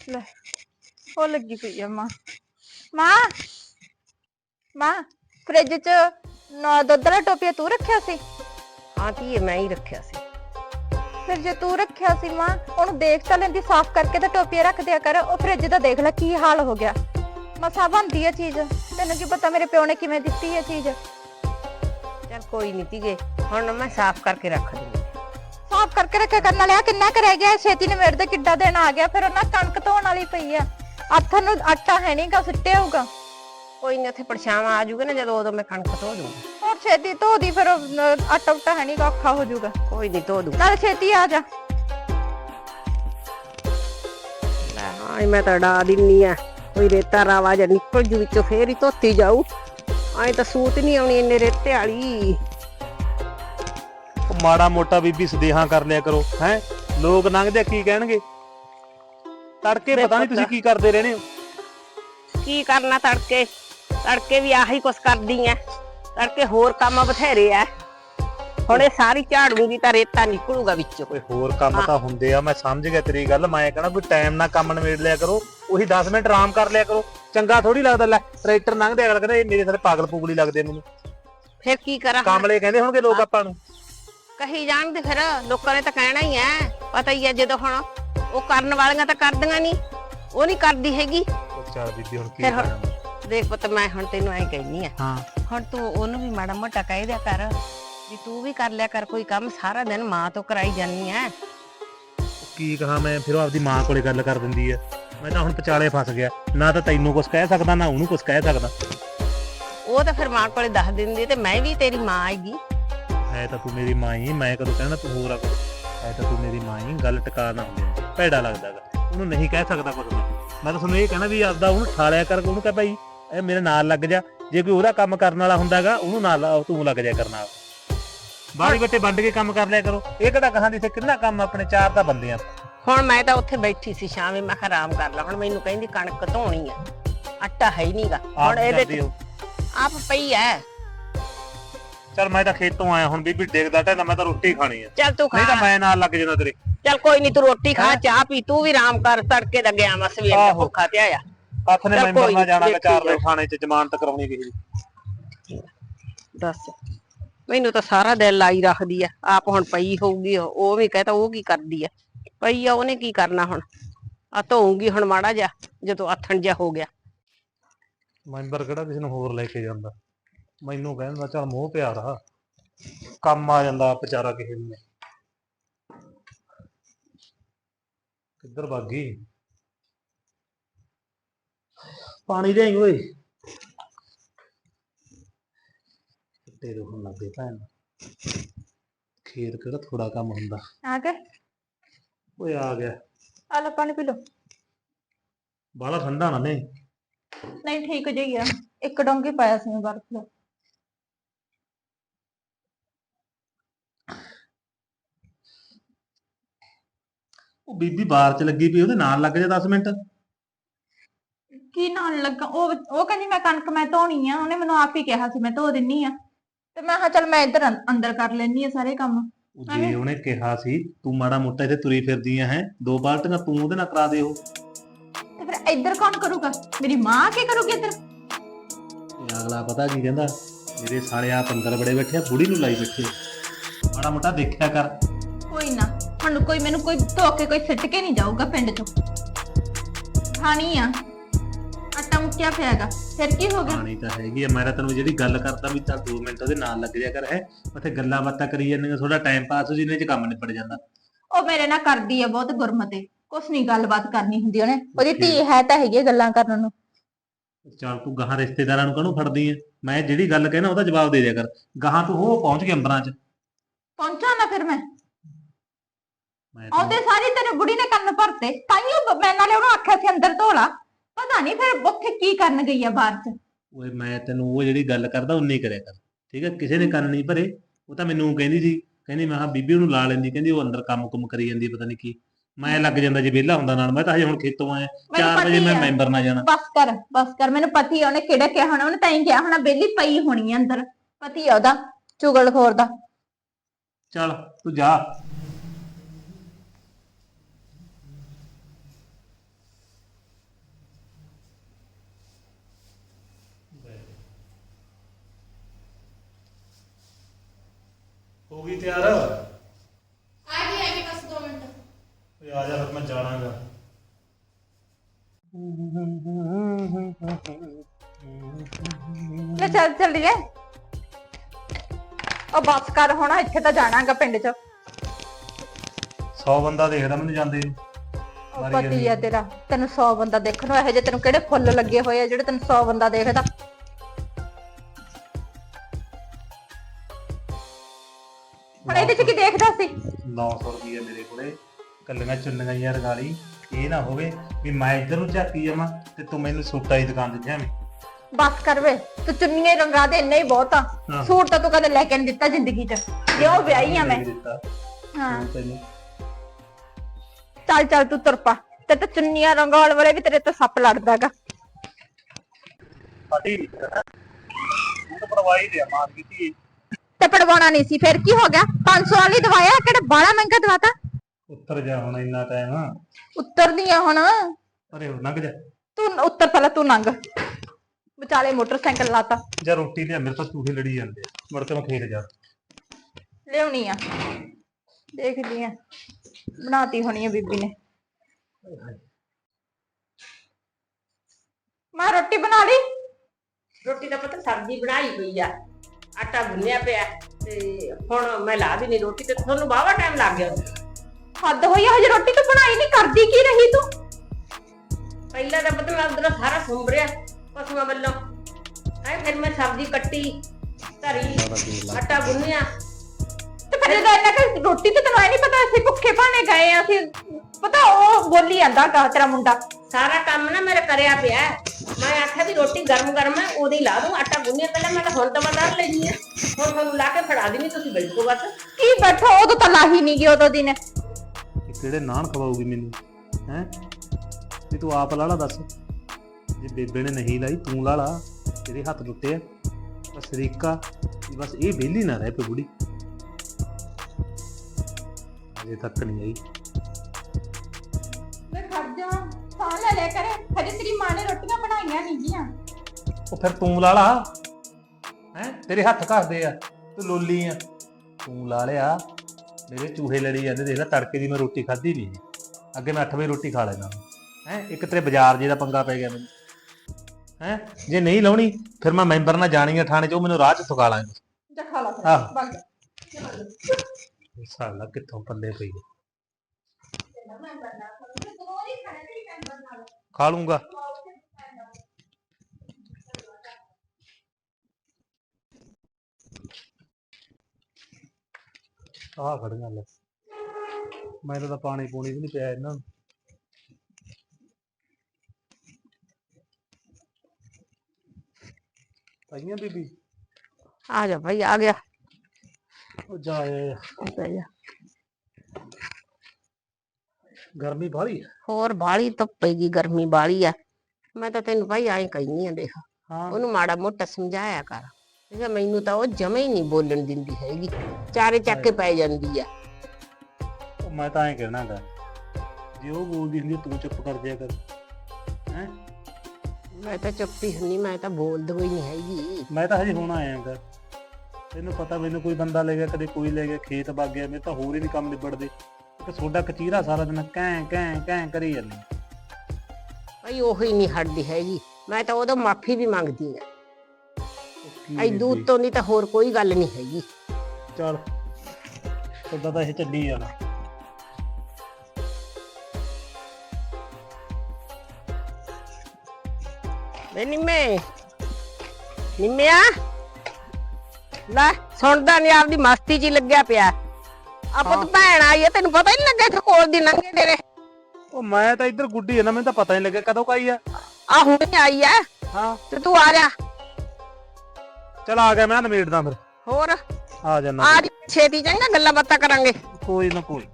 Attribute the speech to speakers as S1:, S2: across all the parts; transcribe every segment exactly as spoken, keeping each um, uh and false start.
S1: ਲੈ ਉਹ ਲੱਗੀ ਪਈ ਆ ਮਾਂ। ਮਾਂ ਮਾਂ ਫ੍ਰਿਜ ਚ ਨਾ ਦੁੱਧ ਵਾਲਾ ਟੋਪੀਆ ਤੂੰ ਰੱਖਿਆ ਸੀ?
S2: ਹਾਂ ਧੀਏ ਮੈਂ ਹੀ ਰੱਖਿਆ ਸੀ।
S1: ਫਿਰ ਜੇ ਤੂੰ ਰੱਖਿਆ ਸੀ ਮਾਂ ਉਹਨੂੰ ਦੇਖ ਤਾਂ ਲੈਂਦੀ, ਸਾਫ਼ ਕਰਕੇ ਤਾਂ ਟੋਪੀਆ ਰੱਖ ਦਿਆ ਕਰ। ਉਹ ਫ੍ਰਿਜ ਦਾ ਦੇਖ ਲੈ ਕੀ ਹਾਲ ਹੋ ਗਿਆ। ਮਸਾ ਬਣਦੀ ਆ ਚੀਜ਼, ਤੈਨੂੰ ਕੀ ਪਤਾ ਮੇਰੇ ਪਿਓ ਨੇ ਕਿਵੇਂ ਦਿੱਤੀ ਹੈ ਚੀਜ਼।
S2: ਚੱਲ ਕੋਈ ਨਹੀਂ ਧੀਏ, ਹੁਣ ਮੈਂ ਸਾਫ਼ ਕਰਕੇ ਰੱਖ ਦੂੰਗੀ।
S1: ਸਾਫ਼ ਕਰਕੇ ਰੱਖਿਆ ਕਰਨ ਵਾਲਿਆ ਕਿੰਨਾ ਕੁ ਰਹਿ ਗਿਆ? ਛੇਤੀ ਨਿਬੇੜ ਦੇ, ਕਿੱਡਾ ਦਿਨ ਆ ਗਿਆ। ਫਿਰ ਉਹਨਾਂ ਕਣਕ ਧੋਣ ਵਾਲੀ ਪਈ ਆ, ਆਥਣ ਨੂੰ ਆਟਾ ਹੈ ਨੀ ਗਾ, ਸੁੱਟਿਆ ਹੋਊਗਾ।
S2: ਕੋਈ ਨਹੀਂ ਉੱਥੇ ਪਰਛਾਵਾਂ ਆ ਜਾਊਗਾ ਨਾ ਜਦੋਂ, ਉਦੋਂ ਮੈਂ ਕਣਕ ਧੋ ਦੂੰਗੀ।
S1: ਹੋਰ ਛੇਤੀ ਧੋ ਦੀ, ਫਿਰ ਆਟਾ ਉਟਾ ਹੈ ਨੀ ਗਾ, ਔਖਾ ਹੋ ਜਾਊਗਾ।
S2: ਕੋਈ ਨਹੀਂ ਧੋ ਦੂੰ।
S1: ਨਾਲ ਛੇਤੀ ਆ ਜਾ।
S2: ਲੈ ਹਾਂ ਮੈਂ ਤਾਂ ਡਾ ਦਿੰਨੀ ਆ, ਕੋਈ ਰੇਤਾ ਰਾਵਾ ਜਾਂ ਨਿਕਲ ਜੂ ਵਿੱਚੋਂ, ਫੇਰ ਹੀ ਧੋਤੀ ਜਾਊ। ਐ ਤਾਂ ਸੂਤ ਨਹੀਂ ਆਉਣੀ ਇੰਨੇ ਰੇਤੇ ਵਾਲੀ।
S3: ਮਾੜਾ ਮੋਟਾ ਬੀਬੀ ਸਦੇਹਾ ਕਰ ਲਿਆ ਕਰੋ ਹੈ। ਲੋਕ ਲੰਘਦੇ ਕੀ ਕਹਿਣਗੇ? ਤੜਕੇ ਪਤਾ ਨਹੀਂ ਤੁਸੀਂ ਕੀ ਕਰਦੇ ਰਹਿੰਦੇ ਹੋ।
S2: ਕੀ ਕਰਨਾ ਤੜਕੇ? ਤੜਕੇ ਵੀ ਆਹੀ ਕੁਛ ਕਰਦੀ ਐ। ਤੜਕੇ ਹੋਰ ਕੰਮ ਬਥੇਰੇ ਐ। ਹੁਣ ਇਹ ਸਾਰੀ ਝਾੜੂ ਦੀ ਤਾਂ ਰੇਤਾ ਨਿਕਲੂਗਾ ਵਿੱਚੋਂ।
S3: ਕੋਈ ਹੋਰ ਕੰਮ ਤਾਂ ਹੁੰਦੇ ਆ, ਮੈਂ ਸਮਝ ਗਿਆ ਤੇਰੀ ਗੱਲ। ਮੈਂ ਕਹਿਣਾ ਕੋਈ ਟਾਈਮ ਨਾਲ ਕੰਮ ਨਿਬੇੜ ਲਿਆ ਕਰੋ, ਉਹੀ ਦਸ ਮਿੰਟ ਆਰਾਮ ਕਰ ਲਿਆ ਕਰੋ। ਚੰਗਾ ਥੋੜੀ ਲੱਗਦਾ ਲੈ ਟਰੈਕਟਰ ਲੰਘਦੇ ਅਗਲਾ ਕਹਿੰਦਾ ਇਹ ਮੇਰੇ ਸਾਰੇ ਪਾਗਲ ਪੂਗਲੀ ਲੱਗਦੇ ਮੈਨੂੰ।
S2: ਫਿਰ ਕੀ ਕਰਾਂ?
S3: ਕਾਮਲੇ ਕਹਿੰਦੇ ਹੋਣਗੇ ਲੋਕ ਆਪਾਂ ਨੂੰ।
S2: ਕਹੀ ਜਾਣਦੇ, ਫਿਰ ਲੋਕਾਂ ਨੇ ਤਾਂ ਕਹਿਣਾ ਹੀ ਐ। ਪਤਾ ਹੀ ਐ ਜਦੋਂ ਹੁਣ ਉਹ ਕਰਨ ਵਾਲੀਆਂ ਤਾਂ ਕਰਦੀਆਂ ਨਹੀਂ, ਉਹ ਨਹੀਂ ਕਰਦੀ ਹੈਗੀ।
S3: ਚੱਲ ਬੀਬੀ ਹੁਣ ਕੀ
S2: ਫਿਰ
S3: ਕਰਾਂ
S2: ਦੇਖ ਪੁੱਤ, ਮੈਂ ਹੁਣ ਤੈਨੂੰ ਐਂ ਕਹਿਨੀ ਆ,
S3: ਹਾਂ
S2: ਹੁਣ ਤੂੰ ਉਹਨੂੰ ਵੀ ਮਾੜਾ ਮੋਟਾ ਕਹਿ ਦਿਆ ਕਰ ਵੀ ਤੂੰ ਵੀ ਕਰ ਲਿਆ ਕਰ ਕੋਈ ਕੰਮ। ਸਾਰਾ ਦਿਨ ਮਾਂ ਤੋਂ ਕਰਾਈ ਜਾਨੀ ਐ।
S3: ਕੀ ਕਹਾਂ ਮੈਂ? ਫਿਰ ਉਹ ਆਪਦੀ ਮਾਂ ਕੋਲੇ ਗੱਲ ਕਰ ਦਿੰਦੀ ਐ। ਮੈਂ ਤਾਂ ਹੁਣ ਵਿਚਾਲੇ ਫਸ ਗਿਆ, ਨਾ ਤਾਂ ਤੈਨੂੰ ਕੁਛ ਕਹਿ ਸਕਦਾ ਨਾ ਉਹਨੂੰ ਕੁਛ ਕਹਿ ਸਕਦਾ।
S2: ਉਹ ਤਾਂ ਫਿਰ ਮਾਂ ਕੋਲੇ ਦੱਸ ਦਿੰਦੀ, ਤੇ ਮੈਂ ਵੀ ਤੇਰੀ ਮਾਂ ਆਏਗੀ।
S3: ਹੈ ਤਾਂ ਤੂੰ ਮੇਰੀ ਮਾਂ ਹੀ, ਮੈਂ ਕਦੋਂ ਕਹਿਣਾ ਤੂੰ ਹੋਰ ਆ ਕੁਛ। ਹੈ ਤਾਂ ਤੂੰ ਮੇਰੀ ਮਾਂ ਹੀ, ਗੱਲ ਟਿਕਾ ਨਾ ਹੁੰਦੀ। ਭੈੜਾ ਲੱਗਦਾ ਗਾ, ਉਹਨੂੰ ਨਹੀਂ ਕਹਿ ਸਕਦਾ ਕੁਛ। ਮੈਂ ਮੈਂ ਤਾਂ ਤੁਹਾਨੂੰ ਇਹ ਕਹਿਣਾ ਵੀ ਆਪਦਾ ਉਹਨੂੰ ਠਾਲਿਆ ਕਰ, ਉਹਨੂੰ ਕਹਿ ਭਾਈ ਇਹ ਮੇਰੇ ਨਾਲ ਲੱਗ ਜਾ। ਜੇ ਕੋਈ ਉਹਦਾ ਕੰਮ ਕਰਨ ਵਾਲਾ ਹੁੰਦਾ ਗਾ ਉਹਨੂੰ ਨਾਲ ਤੂੰ ਲੱਗ ਜਾ ਕਰਨ ਨਾਲ। ਬਾਰੀ ਬੱਟੇ ਵੰਡ ਕੇ ਕੰਮ ਕਰ ਲਿਆ ਕਰੋ। ਇਹ ਕਿਹੜਾ ਕਹਾਂ ਦੀ ਇੱਥੇ ਕਿੰਨਾ ਕੰਮ, ਆਪਣੇ ਚਾਰ ਤਾਂ ਬੰਦੇ ਆ।
S2: ਹੁਣ ਮੈਂ ਤਾਂ ਉੱਥੇ ਬੈਠੀ ਸੀ ਸ਼ਾਮੇ, ਮੈਂ ਕਿਹਾ ਆਰਾਮ ਕਰ ਲਾ। ਹੁਣ ਮੈਨੂੰ ਕਹਿੰਦੀ ਕਣਕ ਧੋਣੀ ਆ, ਆਟਾ ਹੈ ਹੀ ਨਹੀਂਗਾ। ਹੁਣ ਇਹਦੇ ਆਪ ਪਈ ਐ।
S3: ਚੱਲ ਮੈਂ ਤਾਂ ਖੇਤੋਂ ਆਇਆ, ਹੁਣ ਬੀਬੀ ਡੇਗਦਾ ਢੈਂਦਾ, ਮੈਂ ਤਾਂ ਰੋਟੀ ਖਾਣੀ ਆ।
S2: ਚੱਲ ਤੂੰ
S3: ਨਹੀਂ
S2: ਖਾ।
S3: ਤਾਂ ਮੈਂ ਨਾਲ ਲੱਗ ਜਾਣਾ ਤੇਰੇ।
S2: ਚੱਲ ਕੋਈ ਨੀ, ਤੂੰ ਰੋਟੀ ਖਾ, ਚਾਹ ਪੀ, ਤੂੰ ਵੀ ਆਰਾਮ ਕਰ। ਤੜਕੇ ਦਾ ਗਿਆ ਮੈਂ ਸਵੇਰ ਦਾ ਭੁੱਖਾ ਤੇ ਆਇਆ।
S3: ਹੱਥ ਨੇ ਮੈਂਬਰ ਨਾਲ ਜਾਣਾ ਚਾਰ ਵਜੇ ਥਾਣੇ 'ਚ ਜ਼ਮਾਨਤ ਕਰਾਉਣੀ ਕਿਸੇ ਦੀ।
S2: ਦੱਸ ਮੈਨੂੰ ਤਾਂ ਸਾਰਾ ਦਿਨ ਲਾਈ ਰੱਖਦੀ ਆ। ਆਪ ਹੁਣ ਪਈ ਹੋਊਗੀ, ਉਹ ਵੀ ਕਹਤਾ ਉਹ ਕੀ ਕਰਦੀ ਆ? ਪਈ ਆ, ਉਹਨੇ ਕੀ ਕਰਨਾ ਹੁਣ? ਆ ਧੋਊਗੀ ਹੁਣ ਮਾੜਾ ਜਿਹਾ ਜਦੋਂ ਆਥਣ ਜਿਹਾ ਹੋ ਗਿਆ।
S3: ਮੈਂਬਰ ਕਿਹੜਾ ਕਿਸੇ ਨੂੰ ਹੋਰ ਲੈ ਕੇ ਜਾਂਦਾ? ਮੈਨੂੰ ਕਹਿੰਦਾ ਚੱਲ ਮੋਹ ਪਿਆਰ ਆ, ਕੰਮ ਆ ਜਾਂਦਾ ਵਿਚਾਰਾ ਕਿਸੇ ਨੂੰ। ਕਿੱਧਰ ਭੱਗ ਗਈ? ਪਾਣੀ ਲਿਆਈ ਓਏ। ਕੁੱਤੇ ਰੋਣ ਲੱਗੇ ਭੈਣ। ਖੇਤ ਕਿਹੜਾ ਥੋੜਾ ਕੰਮ ਹੁੰਦਾ।
S1: ਆ ਗਏ?
S3: ਓਏ ਆ ਗਿਆ।
S1: ਆ ਲੈ ਪਾਣੀ ਪੀ ਲੋ।
S3: ਬਾਹਲਾ ਠੰਡਾ ਨਾ ਨੇ।
S1: ਨਹੀਂ ਠੀਕ ਜਿਹੀ ਆ, ਇੱਕ ਡੋਂਗੀ ਪਾਇਆ ਸੀ ਮੈਂ ਬਰਫ ਦਾ।
S3: ਉਹ ਬੀਬੀ ਬਾਹਰ 'ਚ ਲੱਗੀ ਪਈ, ਉਹਦੇ ਨਾਲ ਲੱਗ ਜਾ ਦਸ ਮਿੰਟ।
S1: ਕੀ ਨਾਲ ਲੱਗਾ? ਉਹ ਉਹ ਕਹਿੰਦੀ ਮੈਂ ਕਣਕ ਮੈਂ ਧੋਣੀ ਆ, ਉਹਨੇ ਮੈਨੂੰ ਆਪ ਹੀ ਕਿਹਾ ਸੀ ਮੈਂ ਧੋ ਦਿੰਨੀ ਆ। ਤੇ ਮੈਂ ਕਿਹਾ ਚੱਲ ਮੈਂ ਇੱਧਰ ਅੰਦਰ ਕਰ ਲੈਣੀ ਆ ਸਾਰੇ ਕੰਮ।
S3: ਜੇ ਉਹਨੇ ਕਿਹਾ ਸੀ ਤੂੰ ਮਾੜਾ ਮੋਟਾ ਇੱਥੇ ਤੁਰੀ ਫਿਰਦੀ ਆ ਹੈ, ਦੋ ਬਾਲਟੀਆਂ ਤੂੰ ਉਹਦੇ ਨਾਲ ਕਰਾ ਦੇ। ਉਹ
S1: ਤੇ ਫਿਰ ਇੱਧਰ ਕੌਣ ਕਰੂਗਾ? ਮੇਰੀ ਮਾਂ ਕੀ ਕਰੂਗੀ ਇੱਧਰ?
S3: ਅਗਲਾ ਪਤਾ ਕੀ ਕਹਿੰਦਾ, ਮੇਰੇ ਸਾਲੇ ਆਪ ਅੰਦਰ ਬੜੇ ਬੈਠੇ ਆ, ਬੁੜੀ ਨੂੰ ਲਾਈ ਬੈਠੇ। ਮਾੜਾ ਮੋਟਾ ਦੇਖਿਆ ਕਰ।
S1: ਕੋਈ ਨਾ, ਹੁਣ ਕੋਈ ਮੈਨੂੰ ਕੋਈ ਧੋ ਕੇ ਕੋਈ ਸਿੱਟ ਕੇ ਨਹੀਂ ਜਾਊਗਾ ਪਿੰਡ ਚੋਂ। ਖਾਣੀ ਆ, ਆਟਾ ਮੁੱਕਿਆ ਪਿਆਗਾ, ਫਿਰ ਕੀ ਹੋ ਗਿਆ?
S3: ਖਾਣੀ ਤਾਂ ਹੈਗੀ ਆ। ਮੈਂ ਤਾਂ ਤੈਨੂੰ ਜਿਹੜੀ ਗੱਲ ਕਰਦਾ ਵੀ ਚੱਲ ਦੋ ਮਿੰਟ ਉਹਦੇ ਨਾਲ ਲੱਗ ਜਾ ਕਰ ਹੈ। ਉੱਥੇ ਗੱਲਾਂ ਬਾਤਾਂ ਕਰੀ ਜਾਂਦੀਆਂ, ਥੋੜਾ ਟਾਈਮ ਪਾਸ ਹੋ ਜਿੰਨੇ 'ਚ ਕੰਮ ਨਿਪਟ ਜਾਂਦਾ।
S1: ਉਹ ਮੇਰੇ ਨਾਲ ਕਰਦੀ ਆ ਬਹੁਤ ਗੁਰਮਤੇ, ਕੁਛ ਨੀ ਗੱਲਬਾਤ ਕਰਨੀ ਹੁੰਦੀ ਉਹਨੇ। ਉਹਦੀ ਧੀ ਹੈ ਤਾਂ ਹੈਗੀ ਗੱਲਾਂ ਕਰਨ ਨੂੰ।
S3: ਚੱਲ ਤੂੰ ਗਾਹਾਂ ਰਿਸ਼ਤੇਦਾਰਾਂ ਨੂੰ ਕਾਹਨੂੰ ਫੜਦੀ ਆ? ਮੈਂ ਜਿਹੜੀ ਗੱਲ ਕਹਿਣਾ ਉਹਦਾ ਜਵਾਬ ਦੇ ਦਿਆ ਕਰ। ਗਾਹਾਂ ਤੂੰ ਹੋ ਪਹੁੰਚ ਕੇ ਅੰਬਰਾਂ 'ਚ
S1: ਪਹੁੰਚਾ ਨਾ ਫਿਰ ਮੈਂ। ਆਉਂਦੇ ਸਾਰੀ ਤੇਰੇ ਬੁੜੀ ਨੇ ਕੰਨ ਭਰਤੇ, ਤਾਈਓ ਮੈਂ ਨਾਲੇ ਉਹਨੂੰ ਆਖਿਆ ਸੀ ਅੰਦਰ ਧੋ ਲਾ। ਪਤਾ ਨਹੀਂ ਫਿਰ ਉੱਥੇ ਕੀ ਕਰਨ ਗਈ ਆ ਬਾਹਰ 'ਚ।
S3: ਓਏ ਮੈਂ ਤੈਨੂੰ ਉਹ ਜਿਹੜੀ ਗੱਲ ਕਰਦਾ ਉਨੀ ਕਰਿਆ ਕਰ, ਠੀਕ ਹੈ? ਕਿਸੇ ਨੇ ਕੰਨ ਨਹੀਂ ਭਰੇ। ਉਹ ਤਾਂ ਮੈਨੂੰ ਕਹਿੰਦੀ ਸੀ, ਕਹਿੰਦੀ ਮੈਂ ਕਿਹਾ ਬੀਬੀ ਉਹਨੂੰ ਲਾ ਲੈਂਦੀ, ਕਹਿੰਦੀ ਉਹ ਅੰਦਰ ਕੰਮ ਕੁਮ ਕਰੀ ਜਾਂਦੀ, ਪਤਾ ਨਹੀਂ ਕੀ। ਮੈਂ ਲੱਗ ਜਾਂਦਾ ਜੇ ਵਿਹਲਾ ਹੁੰਦਾ ਨਾਲ। ਮੈਂ ਤਾਂ ਹਜੇ ਹੁਣ ਖੇਤੋਂ ਆਇਆ, ਚਾਰ ਵਜੇ ਮੈਂ ਮੈਂਬਰ ਨਾਲ ਜਾਣਾ।
S1: ਬਸ ਕਰ ਬਸ ਕਰ, ਮੈਨੂੰ ਪਤੀ ਆ ਉਹਨੇ ਕਿਹੜਾ ਕਿਹਾ ਹੋਣਾ। ਉਹਨੇ ਤਾਂ ਹੀ ਕਿਹਾ ਹੋਣਾ ਵਿਹਲੀ ਪਈ ਹੋਣੀ ਆ ਅੰਦਰ। ਪਤੀ ਆ ਉਹਦਾ ਚੁਗਲਖੋਰ ਦਾ।
S3: ਚੱਲ ਤੂੰ ਜਾ। ਹੋ ਗਈ ਤਿਆਰ?
S1: ਆ ਗਈ ਆ ਗਈ ਬਸ ਦੋ ਮਿੰਟ।
S3: ਓਏ ਆ ਜਾ ਫਿਰ ਮੈਂ ਜਾਣਾਗਾ।
S1: ਲੈ ਚੱਲ ਚੱਲੀਏ। ਉਹ ਬੱਸ ਕਰ ਹੁਣ, ਇੱਥੇ ਤਾਂ ਜਾਣਾਗਾ ਪਿੰਡ ਚ।
S3: ਸੌ ਬੰਦਾ ਦੇਖਦਾ ਮੈਨੂੰ ਜਾਂਦੇ ਨੂੰ।
S1: ਉਹ ਪਤੀ ਆ ਤੇਰਾ, ਤੈਨੂੰ ਸੌ ਬੰਦਾ ਦੇਖਣ ਨੂੰ। ਇਹੋ ਜਿਹੇ ਤੈਨੂੰ ਕਿਹੜੇ ਫੁੱਲ ਲੱਗੇ ਹੋਏ ਆ ਜਿਹੜੇ ਤੈਨੂੰ ਸੌ ਬੰਦਾ ਦੇਖਦਾ। ਹੁਣ ਇਹਦੇ ਚ ਕੀ ਦੇਖਦਾ ਸੀ?
S3: ਨੌ ਸੌ ਰੁਪਏ ਮੇਰੇ ਕੋਲੇ, ਕੱਲੀਆਂ ਚੁੰਨੀਆਂ ਹੀ ਰਗਾ ਲਈ। ਇਹ ਨਾ ਹੋਵੇ ਵੀ ਮੈਂ ਇੱਧਰ ਨੂੰ ਝਾਕੀ ਜਾਵਾਂ ਤੇ ਤੂੰ ਮੈਨੂੰ ਸੂਟਾਂ ਦੀ ਦੁਕਾਨ ਤੇ ਜਾਵੇਂ।
S1: ਬਸ ਕਰ ਵੇ, ਤੂੰ ਚੁੰਨੀਆਂ ਹੀ ਰੰਗਾ ਦੇ, ਇੰਨਾ ਹੀ ਬਹੁਤ ਆ।
S3: ਹਾਂ।
S1: ਸੂਟ ਤਾਂ ਤੂੰ ਕਦੇ ਲੈ ਕੇ ਨਹੀਂ ਦਿੱਤਾ ਜ਼ਿੰਦਗੀ ਚ, ਜੇ ਉਹ ਵਿਆਹੀ ਆ ਮੈਂ। ਹਾਂ
S3: ਤੈਨੂੰ
S1: ਚੱਲ ਚੱਲ ਤੂੰ ਤੁਰ ਪਾ। ਤੇ ਤਾਂ ਚੁੰਨੀਆਂ ਰੰਗਾਉਣ ਵਾਲੇ ਵੀ ਤੇਰੇ ਤੋਂ ਸੱਪ ਲੜਦਾਗਾ।
S3: ਫਟੀ ਉਹ ਤਾਂ ਪਰਵਾਹੀ ਦੇ ਮਾਰ ਕੀਤੀ।
S1: ਤੇ ਪੜਵਾਉਣਾ ਨਹੀਂ ਸੀ, ਫਿਰ ਕੀ ਹੋ ਗਿਆ? ਪੰਜ ਸੌ ਵਾਲੀ ਦਵਾਇਆ, ਕਿਹੜਾ ਬਾਹਲਾ ਮਹਿੰਗਾ ਦਵਾਤਾ।
S3: ਉੱਤਰ ਜਾ ਹੁਣ, ਇੰਨਾ ਟਾਈਮ
S1: ਉੱਤਰਦੀ ਆ ਹੁਣ।
S3: ਅਰੇ ਹੋ ਲੰਘ ਜਾ।
S1: ਤੂੰ ਉੱਤਰ, ਪਹਿਲਾਂ ਤੂੰ ਲੰਘ। ਵਿਚਾਲੇ ਮੋਟਰਸਾਈਕਲ ਲਾਤਾ।
S3: ਜਾਂ ਰੋਟੀ ਲਿਆ, ਮੇਰੇ ਤੋਂ ਚੂਹੇ ਲੜੀ ਜਾਂਦੇ ਆ। ਮੁੜ ਕੇ ਮੈਂ ਖੇਤ ਜਾ
S1: ਲਿਆਉਣੀ ਆ, ਦੇਖਦੀ ਆ ਬਣਾਤੀ ਹੋਣੀ ਆ ਬੀਬੀ ਨੇ। ਮੈਂ ਰੋਟੀ ਬਣਾ ਲਈ।
S2: ਰੋਟੀ ਦਾ ਪਤਾ ਸਬਜ਼ੀ ਬਣਾਈ ਹੋਈ ਆ, ਆਟਾ ਗੁੰਨਿਆ ਪਿਆ ਤੇ ਹੁਣ ਮੈਂ ਲਾ ਦੇਣੀ ਰੋਟੀ। ਤੇ ਤੁਹਾਨੂੰ ਬਾਵਾ ਟਾਈਮ ਲੱਗ ਗਿਆ।
S1: ਹੱਦ ਹੋਈ ਆ, ਹਜੇ ਰੋਟੀ ਤੂੰ ਬਣਾਈ ਨਹੀਂ। ਕਰਦੀ ਕੀ ਰਹੀ ਤੂੰ?
S2: ਪਹਿਲਾਂ ਤਾਂ ਪਤਾ ਮੈਂ ਉਧਰੋਂ ਸਾਰਾ ਸੁੰਬਰਿਆ ਪਸ਼ੂਆਂ ਵੱਲੋਂ ਹੈ, ਫਿਰ ਮੈਂ ਸਬਜ਼ੀ ਕੱਟੀ, ਧਰੀ, ਆਟਾ ਗੁੰਨਿਆ।
S1: ਤੇ ਫਿਰ ਜਦੋਂ ਇੰਨਾ ਕਿ ਰੋਟੀ ਤੇ ਤੈਨੂੰ ਐ ਨਹੀਂ ਪਤਾ ਅਸੀਂ ਭੁੱਖੇ ਭਾਣੇ ਗਏ ਆ। ਅਸੀਂ ਪਤਾ ਉਹ ਬੋਲੀ ਜਾਂਦਾ ਕਾ ਤੇਰਾ ਮੁੰਡਾ।
S2: ਸਾਰਾ ਕੰਮ ਨਾ ਮੇਰੇ ਕਰਿਆ ਪਿਆ। ਮੈਂ ਆਖਿਆ ਵੀ ਰੋਟੀ ਗਰਮ ਗਰਮ ਹੈ, ਉਹਦੇ ਹੀ ਲਾ ਦੂੰ। ਆਟਾ ਗੁੰਨਿਆ ਪਹਿਲਾਂ, ਮੈਂ ਤਾਂ ਹੁਣ ਤਾਂ ਬਦਲ ਲੈਣੀ ਆ। ਹੁਣ ਤੁਹਾਨੂੰ ਲਾ ਕੇ ਫੜਾ ਦੇਣੀ, ਤੁਸੀਂ ਬੈਠੋ ਬਸ।
S1: ਕੀ ਬੈਠੋ, ਉਦੋਂ ਤਾਂ ਲਾਹੀ ਨਹੀਂ ਗਈ ਉਦੋਂ ਦੀ ਨੇ।
S3: ਕਿਹੜੇ ਨਾਨ ਖਵਾਉਗੀ ਮੈਨੂੰ ਹੈ? ਵੀ ਤੂੰ ਆਪ ਲਾ ਲਾ ਦੱਸ। ਜੇ ਬੇਬੇ ਨੇ ਨਹੀਂ ਲਾਈ ਤੂੰ ਲਾ ਲਾ, ਤੇਰੇ ਹੱਥ ਟੁੱਟੇ ਆ। ਬਸ ਰੀਕਾ ਬਸ ਇਹ ਵਿਹਲੀ ਨਾ ਰਹਿ ਪਈ ਬੁੜੀ। ਅਜੇ ਤੱਕ ਨਹੀਂ ਆਈ।
S1: ਮੈਂ ਖੜ ਜਾ, ਸਾਹ ਲੈ ਲੈ ਕਰ। ਹਜੇ ਤੇਰੀ ਮਾਂ ਨੇ ਰੋਟੀਆਂ ਬਣਾਈਆਂ ਨਹੀਂ ਗੀਆਂ।
S3: ਉਹ ਫਿਰ ਤੂੰ ਲਾ ਲਾ ਹੈ, ਤੇਰੇ ਹੱਥ ਘਸਦੇ ਆ, ਤੂੰ ਲੋਲੀ ਆ। ਤੂੰ ਲਾ ਲਿਆ, ਮੇਰੇ ਚੂਹੇ ਲੜੀ ਜਾਂਦੇ। ਦੇਖ ਲੈ ਤੜਕੇ ਦੀ ਮੈਂ ਰੋਟੀ ਖਾਧੀ ਨਹੀਂ। ਅੱਗੇ ਮੈਂ ਅੱਠ ਵਜੇ ਰੋਟੀ ਖਾ ਲੈਣਾ ਹੈ। ਇੱਕ ਤੇਰੇ ਬਾਜ਼ਾਰ ਜੇ ਦਾ ਪੰਗਾ ਪੈ ਗਿਆ ਮੈਨੂੰ ਹੈ। ਜੇ ਨਹੀਂ ਲਾਉਣੀ ਫਿਰ ਮੈਂ ਮੈਂਬਰ ਨਾਲ ਜਾਣੀ ਆ ਥਾਣੇ ਚ, ਉਹ ਮੈਨੂੰ ਰਾਹ ਚ ਸੁਕਾ ਲਾਂਗੇ।
S1: ਜਾ ਖਾ ਲਾ ਫਿਰ,
S3: ਆਹ
S1: ਵਗ ਜਾ।
S3: ਸਾਲਾ ਕਿੱਥੋਂ ਪੱਲੇ ਪਈ ਆ। ਖਾ ਲੂੰਗਾ। ਆਹ ਖੜੀਆਂ ਲੈ, ਮੈਂ ਤਾਂ ਪਾਣੀ ਪੂਣੀ ਵੀ ਨਹੀਂ ਪਿਆ ਇਹਨਾਂ ਨੂੰ। ਆਈਆਂ ਬੀਬੀ?
S2: ਆ ਜਾ ਭਾਈ, ਆ ਗਿਆ।
S3: ਉਹ ਜਾ
S2: ਪੈ ਜਾ।
S3: ਗਰਮੀ ਬਾਹਲੀ ਆ।
S2: ਹੋਰ ਬਾਹਲੀ ਧੁੱਪੇਗੀ, ਗਰਮੀ ਬਾਹਲੀ ਆ। ਮੈਂ ਤਾਂ ਤੈਨੂੰ ਭਾਈ ਐਂ ਕਹਿੰਦੀ ਆ, ਦੇਖ
S3: ਹਾਂ
S2: ਉਹਨੂੰ ਮਾੜਾ ਮੋਟਾ ਸਮਝਾਇਆ ਕਰ। ਠੀਕ ਆ, ਮੈਨੂੰ ਤਾਂ ਉਹ ਜਮੇ ਹੀ ਨਹੀਂ ਬੋਲਣ ਦਿੰਦੀ ਹੈਗੀ, ਚਾਰੇ ਚੱਕ ਕੇ ਪੈ ਜਾਂਦੀ ਆ।
S3: ਉਹ ਮੈਂ ਤਾਂ ਐਂ ਕਹਿਣਾ ਗਾ, ਜੇ ਉਹ ਬੋਲਦੀ ਹੁੰਦੀ ਤੂੰ ਚੁੱਪ ਕਰ ਜਾਇਆ ਕਰ ਹੈ।
S2: ਮੈਂ ਤਾਂ ਚੁੱਪੀ ਹੁੰਨੀ, ਮੈਂ ਤਾਂ ਬੋਲਦੀ ਹੋਈ ਨਹੀਂ ਹੈਗੀ।
S3: ਮੈਂ ਤਾਂ ਹਜੇ ਹੁਣ ਆਇਆ ਗਾ। ਤੈਨੂੰ ਪਤਾ ਮੈਨੂੰ ਕੋਈ ਬੰਦਾ ਲੈ ਗਿਆ, ਕਦੇ ਕੋਈ ਲੈ ਗਿਆ, ਖੇਤ ਵਗ ਗਿਆ। ਮੇਰੇ ਤਾਂ ਹੋਰ ਹੀ ਨਹੀਂ ਕੰਮ ਨਿਬੜਦੇ। ਇੱਕ ਸੋਡਾ ਕਚੀਰਾ ਸਾਰਾ ਦਿਨ ਕੈਂ ਕੈਂ ਕੈਂ ਕਰੀ ਜਾਂਦੀ।
S2: ਭਾਈ ਉਹੀ ਨਹੀਂ ਹਟਦੀ ਹੈਗੀ। ਮੈਂ ਤਾਂ ਉਹਦਾ ਮਾਫੀ ਵੀ ਮੰਗਦੀ ਆ। ਐ ਦੂਤ ਤੋਂ ਨਹੀਂ ਤਾਂ ਹੋਰ ਕੋਈ ਗੱਲ ਨਹੀਂ ਹੈਗੀ।
S3: ਚੱਲ ਸੋਡਾ ਤਾਂ ਇਹ ਚੱਲੀ ਜਾਣਾ।
S2: ਵੇ ਨਿੰਮੇ, ਨਿੰਮਿਆ ਲੈ, ਸੁਣਦਾ ਨਹੀਂ, ਆਪਦੀ ਮਸਤੀ 'ਚ ਹੀ ਲੱਗਿਆ ਪਿਆ। ਆਪਾਂ ਤਾਂ ਭੈਣ ਆਈ ਆ, ਤੈਨੂੰ ਪਤਾ ਹੀ ਨਹੀਂ ਲੱਗਾ ਇੱਥੇ ਕੋਲ ਦੀ ਲੰਘੇ ਤੇਰੇ।
S3: ਉਹ ਮੈਂ ਤਾਂ ਇੱਧਰ ਗੁੱਡੀ ਆ ਨਾ, ਮੈਨੂੰ ਤਾਂ ਪਤਾ ਨਹੀਂ ਲੱਗਿਆ ਕਦੋਂ ਕਾਈ ਆ।
S2: ਆ ਹੁਣੇ ਆਈ ਆ
S3: ਹਾਂ
S2: ਤੇ ਤੂੰ ਆ ਜਾ।
S3: ਚਲ ਆ ਗਿਆ, ਮੈਂ ਨਵੇੜਦਾ ਫਿਰ।
S2: ਹੋਰ
S3: ਆ ਜਾਣਾ
S2: ਆ ਜੀ ਛੇਤੀ, ਚੰਗਾ ਗੱਲਾਂ ਬਾਤਾਂ ਕਰਾਂਗੇ।
S3: ਕੋਈ ਨਾ ਕੋਈ।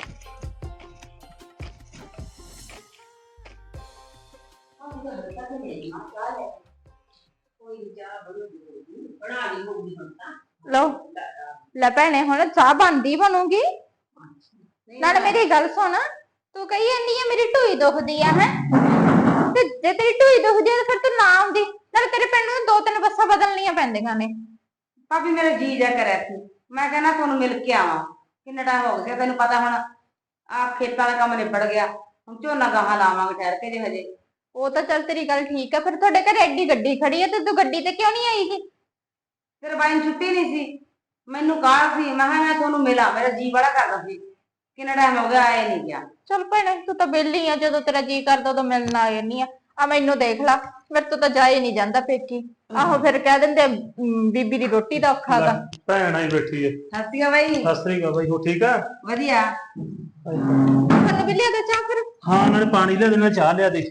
S1: ਲਓ ਲੈ ਭੈਣੇ, ਹੁਣ ਚਾਹ ਬਣਦੀ ਬਣੂਗੀ। ਨਾਲ ਮੇਰੀ ਗੱਲ ਸੁਣ, ਤੂੰ ਕਹੀ ਜਾਂਦੀ ਆ ਮੇਰੀ ਢੂਈ ਦੁਖਦੀ ਆ ਹੈ। ਤੇ ਜੇ ਤੇਰੀ ਢੂਈ ਦੁਖਦੀ ਆ ਫਿਰ ਤੂੰ ਨਾ ਆਉਂਦੀ। ਨਾਲ ਤੇਰੇ ਪਿੰਡ ਨੂੰ ਦੋ ਤਿੰਨ ਬੱਸਾਂ ਬਦਲਣੀਆਂ ਪੈਂਦੀਆਂ ਨੇ।
S2: ਭਾਬੀ ਮੇਰਾ ਜੀ ਜਾ ਕਰਿਆ ਸੀ,
S4: ਮੈਂ ਕਹਿੰਦਾ ਤੁਹਾਨੂੰ ਮਿਲ ਕੇ ਆਵਾਂ। ਕਿੰਨਾ ਟਾਈਮ ਹੋ ਗਿਆ ਤੈਨੂੰ ਪਤਾ ਹੁਣ ਆ ਖੇਤਾਂ ਦਾ ਕੰਮ ਨਿਬੜ ਗਿਆ, ਹੁਣ ਝੋਨਾ ਗਾਹਾਂ ਲਾਵਾਂਗੇ ਠਹਿਰ ਕੇ ਜੇ ਹਜੇ।
S1: ਉਹ ਤਾਂ ਚੱਲ ਤੇਰੀ ਗੱਲ ਠੀਕ ਆ, ਫਿਰ ਤੁਹਾਡੇ ਘਰੇ ਐਡੀ ਗੱਡੀ ਖੜੀ ਆ ਤੇ ਤੂੰ ਗੱਡੀ ਤੇ ਕਿਉਂ ਨਹੀਂ ਆਈਗੀ?
S4: ਫਿਰ ਬਾਈ ਨੂੰ ਛੁੱਟੀ ਨਹੀਂ ਸੀ, ਮੈਨੂੰ ਕਾਹਲ ਸੀ, ਮੈਂ ਕਿਹਾ ਮੈਂ ਤੁਹਾਨੂੰ ਮਿਲਾਂ, ਮੇਰਾ ਜੀ ਬੜਾ ਕਰਦਾ ਸੀ। ਕਿੰਨਾ ਟਾਈਮ ਹੋ ਗਿਆ ਆਏ ਨਹੀਂ ਗਿਆ।
S1: ਚੱਲ ਭੈਣੇ ਤੂੰ ਤਾਂ ਵਿਹਲੀ ਆ, ਜਦੋਂ ਤੇਰਾ ਜੀ ਕਰਦਾ ਉਦੋਂ ਮਿਲਣ ਆ ਜਾਂਦੀ ਆ। ਆ ਮੈਨੂੰ ਦੇਖ ਲਾ, ਮੇਰੇ ਤੋਂ ਤਾਂ ਜਾ ਹੀ ਨਹੀਂ ਜਾਂਦਾ ਪੇਕੀ। ਆਹੋ ਫਿਰ ਕਹਿ ਦਿੰਦੇ ਅਮ, ਬੀਬੀ ਦੀ ਰੋਟੀ ਦਾ ਔਖਾ ਗਾ।
S3: ਭੈਣ ਆਈ ਬੈਠੀ ਹੈ।
S4: ਸਤਿ ਸ਼੍ਰੀ ਅਕਾਲ ਬਾਈ।
S3: ਸਤਿ ਸ੍ਰੀ ਅਕਾਲ ਬਾਈ, ਹੋ ਠੀਕ ਆ?
S4: ਵਧੀਆ।
S1: ਤੁਹਾਨੂੰ ਵੀ ਲਿਆ ਦੇ ਚਾਹ ਫਿਰ।
S3: ਹਾਂ ਉਹਨਾਂ ਨੇ ਪਾਣੀ ਲਿਆ ਦੇ, ਨਾਲ ਚਾਹ ਲਿਆ ਦੇ।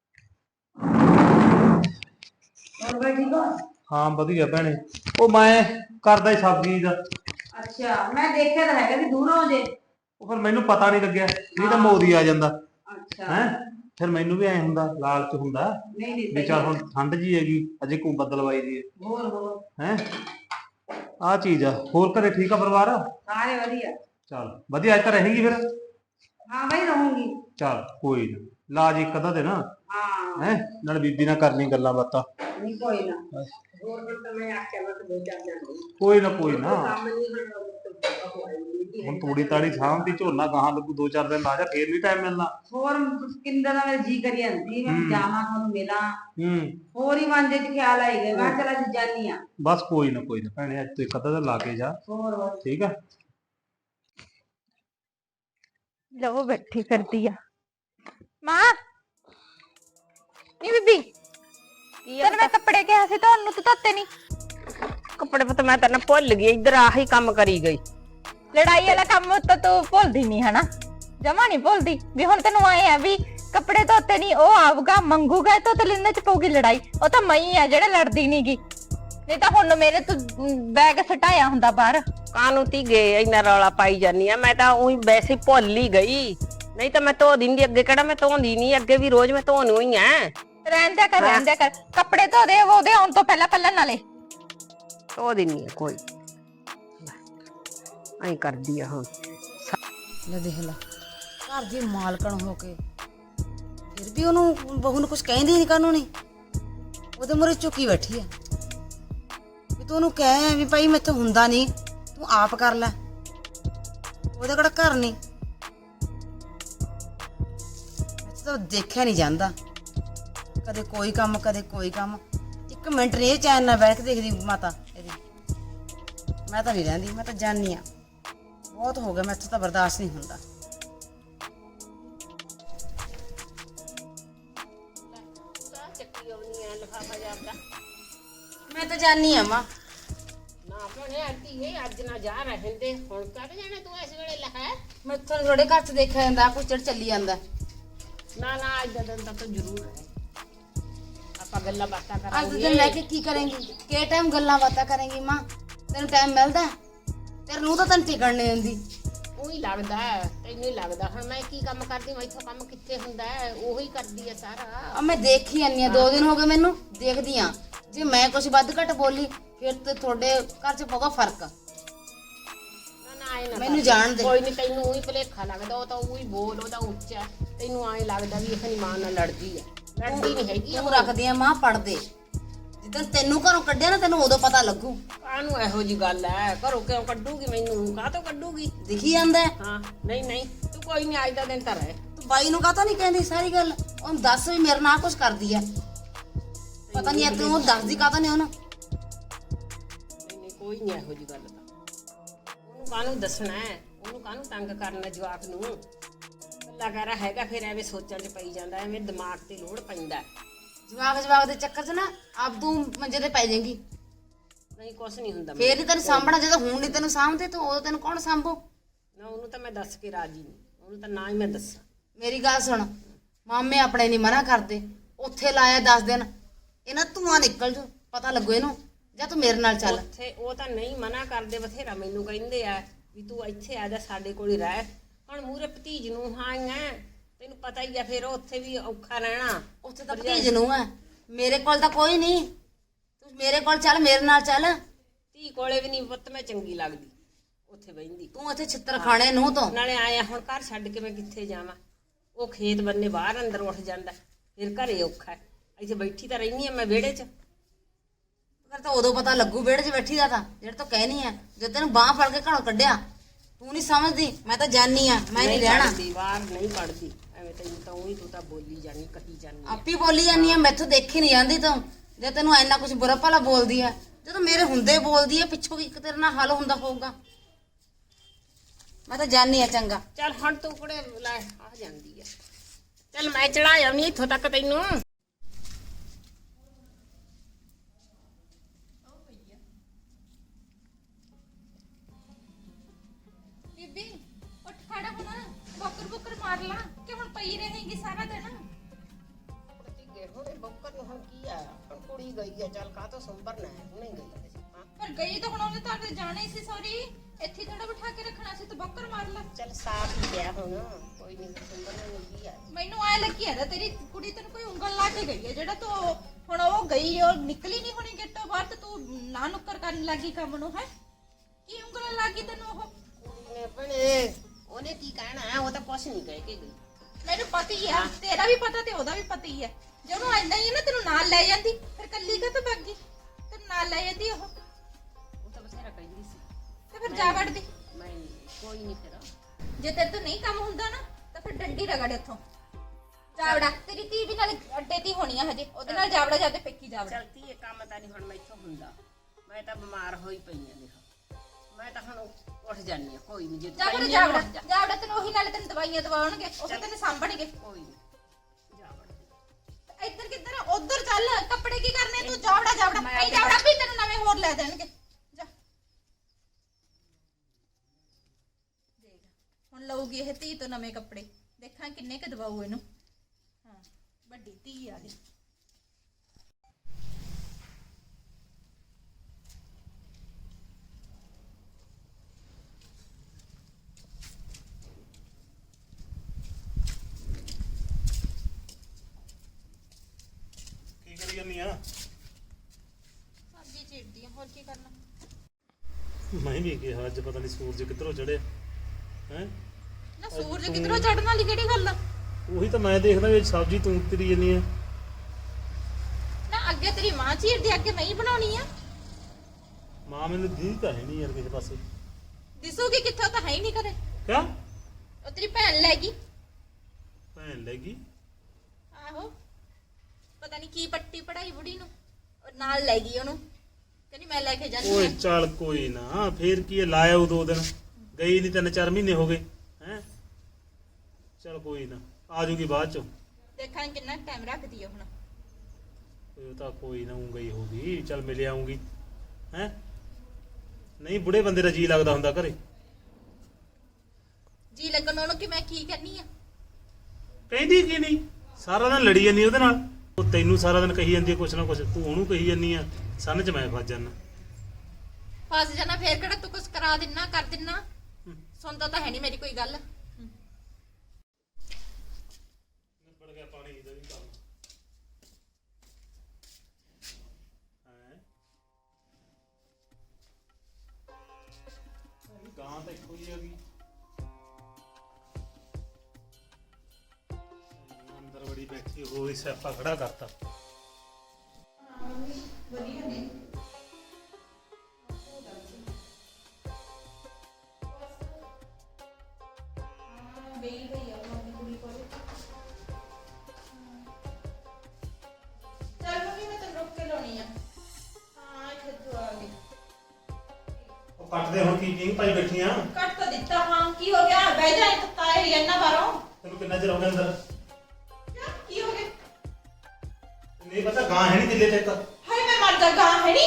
S4: ਹੋਰ ਬਾਈ ਠੀਕ ਹੋ?
S3: ਹਾਂ ਵਧੀਆ ਭੈਣੇ, ਉਹ ਮੈਂ ਕਰਦਾ ਹੀ ਸਬਜ਼ੀ ਦਾ।
S4: ਅੱਛਾ, ਮੈਂ ਦੇਖਿਆ ਤਾਂ ਹੈਗਾ ਵੀ ਦੂਰੋਂ ਜੇ।
S3: ਉਹ ਫਿਰ ਮੈਨੂੰ ਪਤਾ ਨਹੀਂ ਲੱਗਿਆ, ਨਹੀਂ ਤਾਂ ਮੋਦੀ ਆ ਜਾਂਦਾ
S4: ਅੱਛਾ।
S3: ਹੈ। ਫਿਰ ਮੈਨੂੰ ਵੀ ਐ ਹੁੰਦਾ, ਲਾਲਚ ਹੁੰਦਾ
S4: ਨਹੀਂ ਨਹੀਂ
S3: ਵੀ ਚੱਲ ਹੁਣ ਠੰਡ ਜੀ ਹੈਗੀ, ਅਜੇ ਕੋ ਬਦਲਵਾਈ ਦੀ
S4: ਹੋਰ ਹੋਰ
S3: ਹੈ। ਆਹ ਚੀਜ਼ ਆ। ਹੋਰ ਘਰੇ ਠੀਕ ਆ ਪਰਿਵਾਰ?
S4: ਸਾਰੇ ਵਧੀਆ।
S3: ਚੱਲ ਵਧੀਆ, ਅੱਜ ਤਾਂ ਰਹੇਗੀ ਫਿਰ।
S4: ਹਾਂ ਬਾਈ ਰਹੂੰਗੀ।
S3: ਚੱਲ ਕੋਈ ਨਾ, ਲਾਜ ਇੱਕ ਅੱਧਾ ਦਿਨ
S4: ਹਾਂ
S3: ਹੈ, ਨਾਲ ਬੀਬੀ ਨਾਲ ਕਰਨੀ ਗੱਲਾਂ ਬਾਤਾਂ।
S4: ਨਹੀਂ ਕੋਈ ਨਾ। ਹੋਰ ਫਿਰ ਤਾਂ ਮੈਂ ਆਖਿਆ ਮੈਂ ਦੋ ਚਾਰ ਦਿਨ
S3: ਕੋਈ ਨਾ ਕੋਈ ਨਾ,
S4: ਕੰਮ ਨਹੀਂ ਹੋਣਾ।
S3: ਹੁਣ ਤੂੜੀ ਤਾੜੀ ਸਾਂਭਦੀ, ਝੋਨਾ ਗਾਹਾਂ ਲੱਗੂ, ਦੋ ਚਾਰ ਦਿਨ ਲਾ ਜਾ, ਫੇਰ ਨਹੀਂ ਟਾਈਮ ਮਿਲਣਾ।
S4: ਹੋਰ ਕਿੰਨਾ ਦਾ ਮੇਰਾ ਜੀ ਕਰੀ ਜਾਂਦੀ ਮੈਂ ਜਾਵਾਂ ਤੁਹਾਨੂੰ ਮਿਲਾਂ।
S3: ਹੂੰ
S4: ਹੋਰ ਹੀ ਮਨ ਦੇ ਚ ਖਿਆਲ ਆਈ ਗਏ, ਮੈਂ ਚਲ ਅੱਜ ਜਾਨੀ ਆ।
S3: ਬਸ ਕੋਈ ਨਾ ਕੋਈ ਨਾ ਭੈਣੇ, ਅੱਜ ਤੂੰ ਇੱਕ ਅੱਧਾ ਦਿਨ ਲਾ ਕੇ ਜਾ।
S4: ਹੋਰ ਹੋਰ
S3: ਠੀਕ ਆ।
S1: ਲਓ ਬੈਠੀ ਕਰਦੀ ਆ ਮਾਂ। ਨੀ ਬੀਬੀ, ਤੈਨੂੰ ਮੈਂ ਕੱਪੜੇ ਕਿਹਾ ਸੀ ਧੋਣ ਨੂੰ, ਤੂੰ ਧੋਤੇ ਨਹੀਂ।
S2: ਕੱਪੜੇ ਪਤਾ ਮੈਂ ਤੈਨੂੰ ਭੁੱਲ ਗਈ, ਇੱਧਰ ਆਹੀ ਕੰਮ ਕਰੀ ਗਈ।
S1: ਲੜਾਈ ਵਾਲਾ ਕੰਮ ਤਾਂ ਤੂੰ ਭੁੱਲਦੀ ਨਹੀਂ ਹਨਾ, ਜਮਾ ਨਹੀਂ ਭੁੱਲਦੀ ਵੀ ਹੁਣ ਤੈਨੂੰ ਆਏ ਆ ਵੀ ਕੱਪੜੇ ਧੋਤੇ ਨਹੀਂ, ਉਹ ਆਊਗਾ ਮੰਗੂਗਾ ਤਾਂ ਤੇ ਲਿੰਦੇ ਚ ਪਊਗੀ ਲੜਾਈ। ਉਹ ਤਾਂ ਮਈ ਆ ਜਿਹੜਾ ਲੜਦੀ ਨੀ ਗੀ, ਨਹੀਂ ਤਾਂ ਹੁਣ ਮੇਰੇ ਤੂੰ ਬੈਗ ਸਟਾਇਆ ਹੁੰਦਾ ਬਾਹਰ।
S2: ਕਾਨੂੰ ਤੀ ਗਏ ਇੰਨਾ ਰੌਲਾ ਪਾਈ ਜਾਨੀ ਆ, ਮੈਂ ਤਾਂ ਉਹੀ ਵੈਸੇ ਭੁੱਲ ਹੀ ਗਈ, ਨਹੀਂ ਤਾਂ ਮੈਂ ਧੋ ਦਿੰਦੀ। ਅੱਗੇ ਕਿਹੜਾ ਮੈਂ ਧੋਂਦੀ ਨਹੀਂ, ਅੱਗੇ ਵੀ ਰੋਜ਼ ਮੈਂ ਧੋਣ ਹੋਈ ਆ।
S1: ਰਹਿਣ ਦਿਆ ਕਰ ਰਹਿਣ ਦਿਆ ਕਰ, ਕੱਪੜੇ ਧੋ ਦੇ ਉਹਦੇ ਆਉਣ ਤੋਂ ਪਹਿਲਾਂ ਪਹਿਲਾਂ ਨਾਲੇ।
S2: ਧੋ ਦਿੰਨੀ ਆ ਕੋਈ, ਐਂ ਕਰਦੀ ਆ ਹੁਣ।
S5: ਲੈ ਦੇਖ ਲਾ, ਘਰ ਦੀ ਮਾਲਕਣ ਹੋ ਕੇ ਫਿਰ ਵੀ ਉਹਨੂੰ ਬਹੂ ਨੂੰ ਕੁਝ ਕਹਿੰਦੀ ਨਹੀਂ, ਕਾਨੂੰਨੀ ਉਹਦੇ ਮੂਹਰੇ ਝੁਕੀ ਬੈਠੀ ਹੈ ਵੀ ਤੂੰ ਉਹਨੂੰ ਕਹਿ ਵੀ ਭਾਈ ਮੈਥੋਂ ਹੁੰਦਾ ਨਹੀਂ, ਤੂੰ ਆਪ ਕਰ ਲੈ। ਉਹਦਾ ਕਿਹੜਾ ਘਰ ਨਹੀਂ, ਮੈਥੋਂ ਤਾਂ ਦੇਖਿਆ ਨਹੀਂ ਜਾਂਦਾ, ਕਦੇ ਕੋਈ ਕੰਮ ਕਦੇ ਕੋਈ ਕੰਮ। ਇੱਕ ਮਿੰਟ ਨਹੀਂ ਚੈਨ ਨਾਲ ਬੈਠ ਕੇ ਦੇਖਦੀ ਮਾਤਾ ਇਹਦੀ। ਮੈਂ ਤਾਂ ਨਹੀਂ ਰਹਿੰਦੀ, ਮੈਂ ਤਾਂ ਜਾਨੀ ਆ, ਬਹੁਤ ਹੋ ਗਿਆ, ਮੈਥੋਂ ਤਾਂ ਬਰਦਾਸ਼ਤ ਨਹੀਂ ਹੁੰਦਾ। ਮੈਂ ਤਾਂ ਜਾਨੀ ਆ ਮਾਂ।
S2: ਨਾ ਭਣੇ ਆਂਟੀ ਅੱਜ ਨਾ ਜਾ ਰਹੇ ਤੇ ਹੁਣ ਕਦ ਜਾਣਾ ਤੂੰ ਇਸ ਵੇਲੇ ਲੈ?
S5: ਮੈਂ ਤੁਹਾਨੂੰ ਤੁਹਾਡੇ ਘਰ ਚ ਦੇਖਿਆ ਜਾਂਦਾ, ਕੁਛੜ ਚੱਲੀ ਜਾਂਦਾ।
S2: ਨਾ ਨਾ ਅੱਜ ਦਾ ਦਿਨ ਤਾਂ ਤੂੰ ਜ਼ਰੂਰ ਹੈ, ਆਪਾਂ ਗੱਲਾਂ ਬਾਤਾਂ
S5: ਅੱਜ
S2: ਕਰਾਂਗੇ।
S5: ਦੇ ਦਿਨ ਲੈ ਕੇ ਕੀ ਕਰੇਂਗੀ, ਕਿਹੜੇ ਟਾਈਮ ਗੱਲਾਂ ਬਾਤਾਂ ਕਰੇਂਗੀ ਮਾਂ? ਤੈਨੂੰ ਟਾਈਮ ਮਿਲਦਾ? ਤੇਰੇ ਨੂੰ ਤਾਂ ਤੈਨੂੰ ਟਿਕਣ ਨਹੀਂ ਦਿੰਦੀ।
S2: ਉਹੀ ਲੱਗਦਾ ਤੈਨੂੰ ਹੀ ਲੱਗਦਾ, ਹੁਣ ਮੈਂ ਕੀ ਕੰਮ ਕਰਦੀ, ਮੈਥੋਂ ਕੰਮ ਕਿੱਥੇ ਹੁੰਦਾ, ਉਹੀ ਕਰਦੀ ਆ ਸਾਰਾ।
S5: ਆ ਮੈਂ ਦੇਖੀ ਜਾਂਦੀ ਆ, ਦੋ ਦਿਨ ਹੋ ਗਏ ਮੈਨੂੰ ਦੇਖਦੀ ਆ, ਜੇ ਮੈਂ ਕੁਝ ਵੱਧ ਘੱਟ ਬੋਲੀ ਫਿਰ ਤੇ ਤੁਹਾਡੇ ਘਰ ਚ ਪਊਗਾ ਫਰਕ।
S2: ਨਾ ਨਾ ਆਏ ਨਾ
S5: ਮੈਨੂੰ ਜਾਣ ਦੇ।
S2: ਕੋਈ ਨਹੀਂ, ਤੈਨੂੰ ਉਹੀ ਭੁਲੇਖਾ ਲੱਗਦਾ, ਉਹ ਤਾਂ ਉਹੀ ਬੋਲ ਉਹਦਾ ਉੱਚਾ, ਤੈਨੂੰ ਐਂ ਲੱਗਦਾ ਵੀ ਇਹ ਮਾਂ ਨਾਲ ਲੜਦੀ ਆ, ਲੜਦੀ ਨਹੀਂ ਹੈਗੀ।
S5: ਤੂੰ ਰੱਖਦੀ ਆ ਮਾਂ ਪੜਦੇ, ਜਿੱਦਣ ਤੈਨੂੰ ਘਰੋਂ ਕੱਢਿਆ ਨਾ ਤੈਨੂੰ ਉਦੋਂ ਪਤਾ ਲੱਗੂ।
S2: ਕਾਹਨੂੰ ਇਹੋ ਜੀ ਗੱਲ ਐ, ਘਰੋਂ ਕਿਉਂ ਕੱਢੂਗੀ ਮੈਨੂੰ, ਕਾਹਤੋਂ ਕੱਢੂਗੀ?
S5: ਦਿਖੀ ਜਾਂਦਾ।
S2: ਹਾਂ ਨਹੀਂ ਨਹੀਂ ਤੂੰ ਕੋਈ ਨਹੀਂ, ਅੱਜ ਦਾ ਦਿਨ ਤਾਂ ਰਹਿ।
S5: ਤੂੰ ਬਾਈ ਨੂੰ ਕਾਹਤੋਂ ਨਹੀਂ ਕਹਿੰਦੀ ਸਾਰੀ ਗੱਲ? ਉਹਨੂੰ ਦੱਸ ਵੀ ਮੇਰੇ ਨਾਲ ਕੁਝ ਕਰਦੀ ਆ, ਪਤਾ ਨਹੀਂ ਤੂੰ ਉਹ ਦੱਸਦੀ ਕਾਹਤੋਂ ਨਹੀਂ ਉਹਨੂੰ।
S2: ਨਹੀਂ ਨਹੀਂ ਕੋਈ ਨਹੀਂ ਇਹੋ ਜੀ ਗੱਲ ਤਾਂ, ਉਹਨੂੰ ਕਾਹਨੂੰ ਦੱਸਣਾ ਹੈ, ਉਹਨੂੰ ਕਾਹਨੂੰ ਤੰਗ ਕਰਨਾ ਜਵਾਕ ਨੂੰ। ਕੱਲਾ ਕਹਿਰਾ ਹੈਗਾ, ਫਿਰ ਐਵੇਂ ਸੋਚਾਂ 'ਚ ਪਈ ਜਾਂਦਾ, ਐਵੇਂ ਦਿਮਾਗ ਤੇ ਲੋੜ ਪੈਂਦਾ।
S5: ਜਵਾਕ ਜਵਾਕ ਦੇ ਚੱਕਰ 'ਚ ਨਾ ਆਪ ਤੂੰ ਮੰਜੇ ਤੇ ਪੈ ਜਾਏਂਗੀ।
S2: ਨਹੀਂ ਕੁਛ ਨਹੀਂ ਹੁੰਦਾ,
S5: ਫੇਰ ਨਹੀਂ ਤੈਨੂੰ ਸਾਂਭਣਾ, ਜਦੋਂ ਹੁਣ ਨਹੀਂ ਤੈਨੂੰ ਸਾਂਭਦੇ ਤੂੰ ਉਦੋਂ ਤੈਨੂੰ ਕੌਣ ਸਾਂਭੂ?
S2: ਨਾ ਉਹਨੂੰ ਤਾਂ ਮੈਂ ਦੱਸ ਕੇ ਰਾਜੀ ਨਹੀਂ, ਉਹਨੂੰ ਤਾਂ ਨਾ ਹੀ ਮੈਂ ਦੱਸਾਂ।
S5: ਮੇਰੀ ਗੱਲ ਸੁਣ, ਮਾਮੇ ਆਪਣੇ ਨਹੀਂ ਮਨਾ ਕਰਦੇ, ਉੱਥੇ ਲਾਇਆ ਦਸ ਦਿਨ, ਇਹਨਾਂ ਧੂਆਂ ਨਿਕਲ ਜੂ, ਪਤਾ ਲੱਗੂ ਇਹਨੂੰ, ਜਾਂ ਤੂੰ ਮੇਰੇ ਨਾਲ ਚੱਲ।
S2: ਉੱਥੇ ਉਹ ਤਾਂ ਨਹੀਂ ਮਨਾ ਕਰਦੇ, ਬਥੇਰਾ ਮੈਨੂੰ ਕਹਿੰਦੇ ਆ ਵੀ ਤੂੰ ਇੱਥੇ ਆ ਜਾ, ਸਾਡੇ ਕੋਲ ਹੀ ਰਹਿ। ਹੁਣ ਮੂਹਰੇ ਭਤੀਜ ਨੂੰ ਹਾਂ ਤੈਨੂੰ ਪਤਾ ਹੀ ਆ, ਫਿਰ ਉੱਥੇ ਵੀ ਔਖਾ ਰਹਿਣਾ।
S5: ਉੱਥੇ ਤਾਂ ਭਤੀਜ ਨੂੰ ਹੈ, ਮੇਰੇ ਕੋਲ ਤਾਂ ਕੋਈ ਨਹੀਂ, ਤੂੰ ਮੇਰੇ ਕੋਲ ਚੱਲ, ਮੇਰੇ ਨਾਲ ਚੱਲ।
S2: ਧੀ ਕੋਲੇ ਵੀ ਨਹੀਂ ਪੁੱਤ ਮੈਂ ਚੰਗੀ ਲੱਗਦੀ ਉੱਥੇ ਬਹਿੰਦੀ,
S5: ਤੂੰ ਇੱਥੇ ਛਿੱਤਰ ਖਾਣੇ ਨੂੰ ਤੋਂ।
S2: ਨਾਲੇ ਆਇਆ ਹੁਣ ਘਰ ਛੱਡ ਕੇ ਮੈਂ ਕਿੱਥੇ ਜਾਵਾਂ, ਉਹ ਖੇਤ ਬੰਨੇ ਬਾਹਰ ਅੰਦਰ ਉੱਠ ਜਾਂਦਾ, ਫਿਰ ਘਰੇ ਔਖਾ। ਇੱਥੇ ਬੈਠੀ ਤਾਂ ਰਹਿੰਦੀ ਆ ਮੈਂ ਵਿਹੜੇ 'ਚ।
S5: ਫਿਰ ਤਾਂ ਉਦੋਂ ਪਤਾ ਲੱਗੂ ਵਿਹੜੇ 'ਚ ਬੈਠੀ ਦਾ ਤਾਂ ਜਿਹੜਾ ਤੂੰ ਕਹਿਨੀ ਆ ਜਦ ਤੈਨੂੰ ਬਾਹ ਫੜ ਕੇ ਘਰੋਂ ਕੱਢਿਆ ਤੂੰ ਨਹੀਂ ਸਮਝਦੀ ਮੈਂ ਤਾਂ ਜਾਨੀ ਆ ਮੈਂ ਨਹੀਂ ਰਹਿਣਾ
S2: ਪੜ੍ਹਦੀ, ਬਾਹਰ ਨਹੀਂ ਪੜਦੀ ਐਵੇਂ ਤੈਨੂੰ ਤਾਂ ਉਹੀ ਤੂੰ ਤਾਂ ਬੋਲੀ ਜਾਨੀ ਕਹੀ ਜਾਨੀ ਆ।
S5: ਆਪੀ ਬੋਲੀ ਜਾਨੀ ਆ ਮੈਥੋਂ ਦੇਖੀ ਨਹੀਂ ਜਾਂਦੀ ਤੂੰ ਜੇ ਤੈਨੂੰ ਇੰਨਾ ਕੁਝ ਬੁਰਾ ਭਲਾ ਬੋਲਦੀ ਆ ਜਦੋਂ ਮੇਰੇ ਹੁੰਦੇ ਬੋਲਦੀ ਆ ਪਿੱਛੋਂ ਕੀ ਤੇਰੇ ਨਾਲ ਹੱਲ ਹੁੰਦਾ ਹੋਊਗਾ ਮੈਂ ਤਾਂ ਜਾਨੀ ਆ ਚੰਗਾ
S2: ਚੱਲ ਹੁਣ ਤੂੰ ਕੁੜੇ ਲੈ ਆ ਜਾਂਦੀ ਆ ਚੱਲ ਮੈਂ ਚੜਾ ਆਉਣੀ ਇੱਥੋਂ ਤੱਕ ਤੈਨੂੰ
S1: ਬੀਬੀ ਉੱਠ ਖੜਾ ਹੁਣ ਬੋਕਰ ਬੋਕਰ ਮਾਰ ਲਾ ਕਿ ਹੁਣ ਪਈ ਰਹੇਗੀ ਸਾਰਾ ਦਿਨ।
S2: ਧੀਏ ਹੁਣੇ ਬੱਕਰ ਨੂੰ ਹੁਣ ਕੀ ਆ ਹੁਣ ਕੁੜੀ ਗਈ ਆ ਚੱਲ ਕਾਹ ਤੋਂ ਸੰਭਰਨਾ ਹੈ ਹੁਣੇ ਗਈ ਆ ਹਾਂ
S1: ਪਰ ਗਈ ਤਾਂ ਹੁਣ ਉਹਨੇ ਤਾਂ ਜਾਣਾ ਹੀ ਸੀ ਸੌਰੀ ਇੱਥੇ ਥੋੜਾ ਬਿਠਾ ਕੇ ਰੱਖਣਾ ਸੀ ਤੇ ਬੋਕਰ ਮਾਰ ਲਾ।
S2: ਚੱਲ ਸਾਫ ਹੀ ਗਿਆ ਹੁਣ ਕੋਈ ਨਹੀਂ ਸੰਭਰਨਾ ਨਹੀਂ ਕੀ ਆ
S1: ਮੈਨੂੰ ਐ ਲੱਗੀ ਆ ਤੇਰੀ ਕੁੜੀ ਤੈਨੂੰ ਕੋਈ ਉਂਗਲ ਲਾ ਕੇ ਗਈ ਹੈ ਜਿਹੜਾ ਤੂੰ ਹੁਣ ਉਹ ਗਈ ਉਹ ਨਿਕਲੀ ਨਹੀਂ ਹੋਣੀ ਗੇਟੋਂ ਬਾਹਰ ਤੇ ਤੂੰ ਨਾ ਨੁੱਕਰ ਕਰਨ ਲੱਗੀ ਕੰਮ ਨੂੰ ਹੈ ਕੀ ਉਂਗਲ ਲੱਗੀ ਤੈਨੂੰ ਉਹ
S2: ਕੁੜੀ ਨੇ ਭਣੇ ਉਹਨੇ ਕੀ ਕਹਿਣਾ ਹੈ ਉਹ ਤਾਂ ਕੁਛ ਨਹੀਂ ਕਹਿ ਕੇ ਗਈ
S1: ਮੈਨੂੰ ਪਤਾ ਹੀ ਆ ਤੇਰਾ ਵੀ ਪਤਾ ਤੇ ਉਹਦਾ ਵੀ ਪਤਾ ਹੀ ਹੈ ਜੇ ਉਹਨੂੰ ਐਂਦਾ ਹੀ ਹੈ ਨਾ ਤੈਨੂੰ ਨਾਲ ਲੈ ਜਾਂਦੀ ਫਿਰ ਕੱਲੀ ਕਾ ਤਾਂ ਭੱਗੀ ਤੈਨੂੰ ਨਾਲ ਲੈ ਜਾਂਦੀ ਉਹ
S2: ਉਹ ਤਾਂ ਬਥੇਰਾ ਕਹਿੰਦੀ ਸੀ
S1: ਤੇ ਫਿਰ ਜਾ ਵੜਦੀ
S2: ਮੈਂ ਨੀ, ਕੋਈ ਨਹੀਂ ਤੇਰਾ
S1: ਜੇ ਤੇਰੇ ਤੋਂ ਨਹੀਂ ਕੰਮ ਹੁੰਦਾ ਨਾ ਤਾਂ ਫਿਰ ਡੰਡੀ ਰਗੜ ਇੱਥੋਂ ਜਾਵੜਾ ਤੇਰੀ ਧੀ ਵੀ ਨਾਲ ਅੱਡੇ ਦੀ ਹੋਣੀ ਆ ਹਜੇ ਉਹਦੇ ਨਾਲ ਜਾਵੜਾ ਜਾਂਦੇ ਪੱਕੀ ਜਾਵੜਾ
S2: ਚਲਤੀ ਇਹ ਕੰਮ ਤਾਂ ਨਹੀਂ ਹੁਣ ਮੈਥੋਂ ਹੁੰਦਾ ਮੈਂ ਤਾਂ ਬਿਮਾਰ ਹੋਈ ਪਈ ਆ ਦੇਖ ਮੈਂ ਤਾਂ ਹੁਣ ਉੱਠ ਜਾਨੀ ਆ ਕੋਈ ਨਹੀਂ ਜੇ
S1: ਜਾਵੜਾ ਜਾਵੜਾ ਜਾਵੜਾ ਤੈਨੂੰ ਉਹੀ ਨਾਲ ਤੈਨੂੰ ਦਵਾਈਆਂ ਦਵਾਉਣਗੇ ਉਹ ਤੈਨੂੰ ਸਾਂਭਣਗੇ
S2: ਕੋਈ ਨਹੀਂ ਜਾਵੜ
S1: ਇੱਧਰ ਕਿੱਧਰ ਆ? ਉੱਧਰ ਚੱਲ ਕੱਪੜੇ ਕੀ ਕਰਨੇ ਤੂੰ ਜਾਵੜਾ ਜਾਵੜਾ ਨਹੀਂ ਜਾਵੜਾ ਵੀ ਤੈਨੂੰ ਨਵੇਂ ਹੋਰ ਲੈ ਦੇਣਗੇ ਜਾ ਦੇਖ ਹੁਣ ਲਊਗੀ ਇਹ ਧੀ ਤੋਂ ਨਵੇਂ ਕੱਪੜੇ ਦੇਖਾਂ ਕਿੰਨੇ ਕ ਦਵਾਊ ਇਹਨੂੰ ਹਾਂ ਵੱਡੀ ਧੀ ਆ ਦੀ
S3: ਕੀ ਕਰੀ ਜਾਂਦੀ ਆ?
S1: ਸਬਜ਼ੀ ਚੀਰਦੀ ਆ ਹੋਰ ਕੀ ਕਰਨਾ
S3: ਮੈਂ ਵੀ ਕਿਹਾ ਅੱਜ ਪਤਾ ਨਹੀਂ ਸੂਰਜ ਕਿੱਧਰੋਂ ਚੜਿਆ ਹੈ।
S1: ਨਾ ਸੂਰਜ ਕਿਧਰੋਂ ਚੜਨ ਵਾਲੀ ਕਿਹੜੀ ਗੱਲ ਆ
S3: ਉਹੀ ਤਾਂ ਮੈਂ ਦੇਖਦਾ ਵੀ ਸਬਜ਼ੀ ਤੂੰ ਤੇਰੀ ਜਾਂਦੀ ਆ।
S1: ਨਾ ਅੱਗੇ ਤੇਰੀ ਮਾਂ ਚੀਰਦੀ ਅੱਗੇ ਮੈਂ ਹੀ ਬਣਾਉਣੀ ਆ
S3: ਮਾਂ ਮੈਨੂੰ ਦੀਦੀ ਤਾਂ ਹੈ ਨਹੀਂ ਯਾਰ ਕਿਸੇ ਪਾਸੇ।
S1: ਦਿਸੂਗੀ ਕਿੱਥੋਂ ਤਾਂ ਹੈ ਹੀ ਨਹੀਂ ਕਰੇ
S3: ਕਿਆ
S1: ਉਹ ਤੇਰੀ ਭੈਣ ਲੈ ਗਈ
S3: ਭੈਣ ਲੈ ਗਈ?
S1: ਆਹੋ ਪਤਾ ਨਹੀਂ ਕੀ ਪੱਟੀ ਪੜਾਈ ਬੁੜੀ ਨੂੰ ਉਹ ਨਾਲ ਲੈ ਗਈ ਉਹਨੂੰ ਕਹਿੰਦੀ ਮੈਂ ਲੈ ਕੇ ਜਾਂਦੀ
S3: ਓਏ
S1: ਆ
S3: ਚੱਲ ਕੋਈ ਨਾ ਫੇਰ ਕੀ ਹੈ, ਲਾਇਆ ਉਹ ਦੋ ਦਿਨ ਗਈ ਨਹੀਂ ਤਿੰਨ ਚਾਰ ਮਹੀਨੇ ਹੋ ਗਏ ਹੈ। ਚੱਲ ਕੋਈ ਨਾ ਆ ਜੂਗੀ ਬਾਅਦ ਚ।
S1: ਦੇਖਾਂ ਕਿੰਨਾ ਟਾਈਮ ਰੱਖਦੀ ਆ ਹੁਣ
S3: ਉਹ ਤਾਂ ਕੋਈ ਨਾ ਊਂ ਗਈ ਹੋਗੀ ਚੱਲ ਮਿਲ ਆਉਂਗੀ ਹੈ। ਨਹੀਂ ਬੁੜੇ ਬੰਦੇ ਦਾ ਜੀ ਲੱਗਦਾ ਹੁੰਦਾ ਘਰੇ।
S1: ਜੀ ਲੱਗਣ ਉਹਨੂੰ ਕਿ ਮੈਂ ਕੀ ਕਰਨੀ ਆ
S3: ਕਹਿੰਦੀ ਕੀ ਨਹੀਂ ਸਾਰਾ ਦਿਨ ਲੜੀ ਜਾਂਦੀ ਉਹਦੇ ਨਾਲ। ਉਹ ਤੈਨੂੰ ਸਾਰਾ ਦਿਨ ਕਹੀ ਜਾਂਦੀ ਆ ਕੁਛ ਨਾ ਕੁਛ ਤੂੰ ਉਹਨੂੰ ਕਹੀ ਜਾਂਦੀ ਆ ਸੰਨ ਚ ਮੈਂ ਫਸ ਜਾਨਾ।
S1: ਫਸ ਜਾਣਾ ਫੇਰ ਕਿਹੜਾ ਤੂੰ ਕੁਛ ਕਰਾ ਦਿੰਨਾ ਕਰ ਦਿੰਨਾ ਸੁਣਦਾ ਤਾਂ ਹੈ ਨਹੀਂ ਮੇਰੀ ਕੋਈ ਗੱਲ
S3: ਨਿਬੜ ਗਿਆ ਪਾਣੀ ਦਾ ਵੀ ਕੰਮ ਹੈ। ਗਾਂ ਤਾਂ ਇੱਕੋ ਹੀ ਹੈਗੀ ਅੰਦਰ ਬੜੀ ਬੈਠੀ ਹੋਈ ਸਿਆਪਾ ਖੜਾ ਕਰਤਾ।
S1: ਵਧੀਆ ਨੇ ਬੇਈ ਗਈ ਆ ਆਪਣੀ ਕੁੜੀ ਕੋਲ ਚੱਲ ਮੰਮੀ ਮੈਂ ਤੈਨੂੰ ਰੁੱਕ ਕੇ ਲਾਉਣੀ ਆ ਹਾਂ ਇੱਥੇ ਤੂੰ ਆ ਗਈ
S3: ਉਹ ਕੱਟਦੇ ਹੁਣ ਕੀ ਕਿੰਗ ਪਾਈ ਬੈਠੀਆਂ।
S1: ਕੱਟ ਤਾਂ ਦਿੱਤਾ ਹਾਂ ਕੀ ਹੋ ਗਿਆ ਬਹਿ ਜਾ ਇੱਕ ਤਾਏ ਹੀ ਇੰਨਾ ਬਾਰੋਂ
S3: ਤੈਨੂੰ ਕਿੰਨਾ ਚਿਰ ਹੋ ਗਿਆ ਅੰਦਰ?
S1: ਕਿਆ ਕੀ ਹੋ ਗਿਆ
S3: ਨਹੀਂ ਪਤਾ ਗਾਂ ਹੈ ਨਹੀਂ ਕਿੱਲੇ ਤੇ ਇੱਕ।
S1: ਹਾਏ ਮੈਂ ਮਰ ਜਾ ਗਾਂ ਹੈ ਨਹੀਂ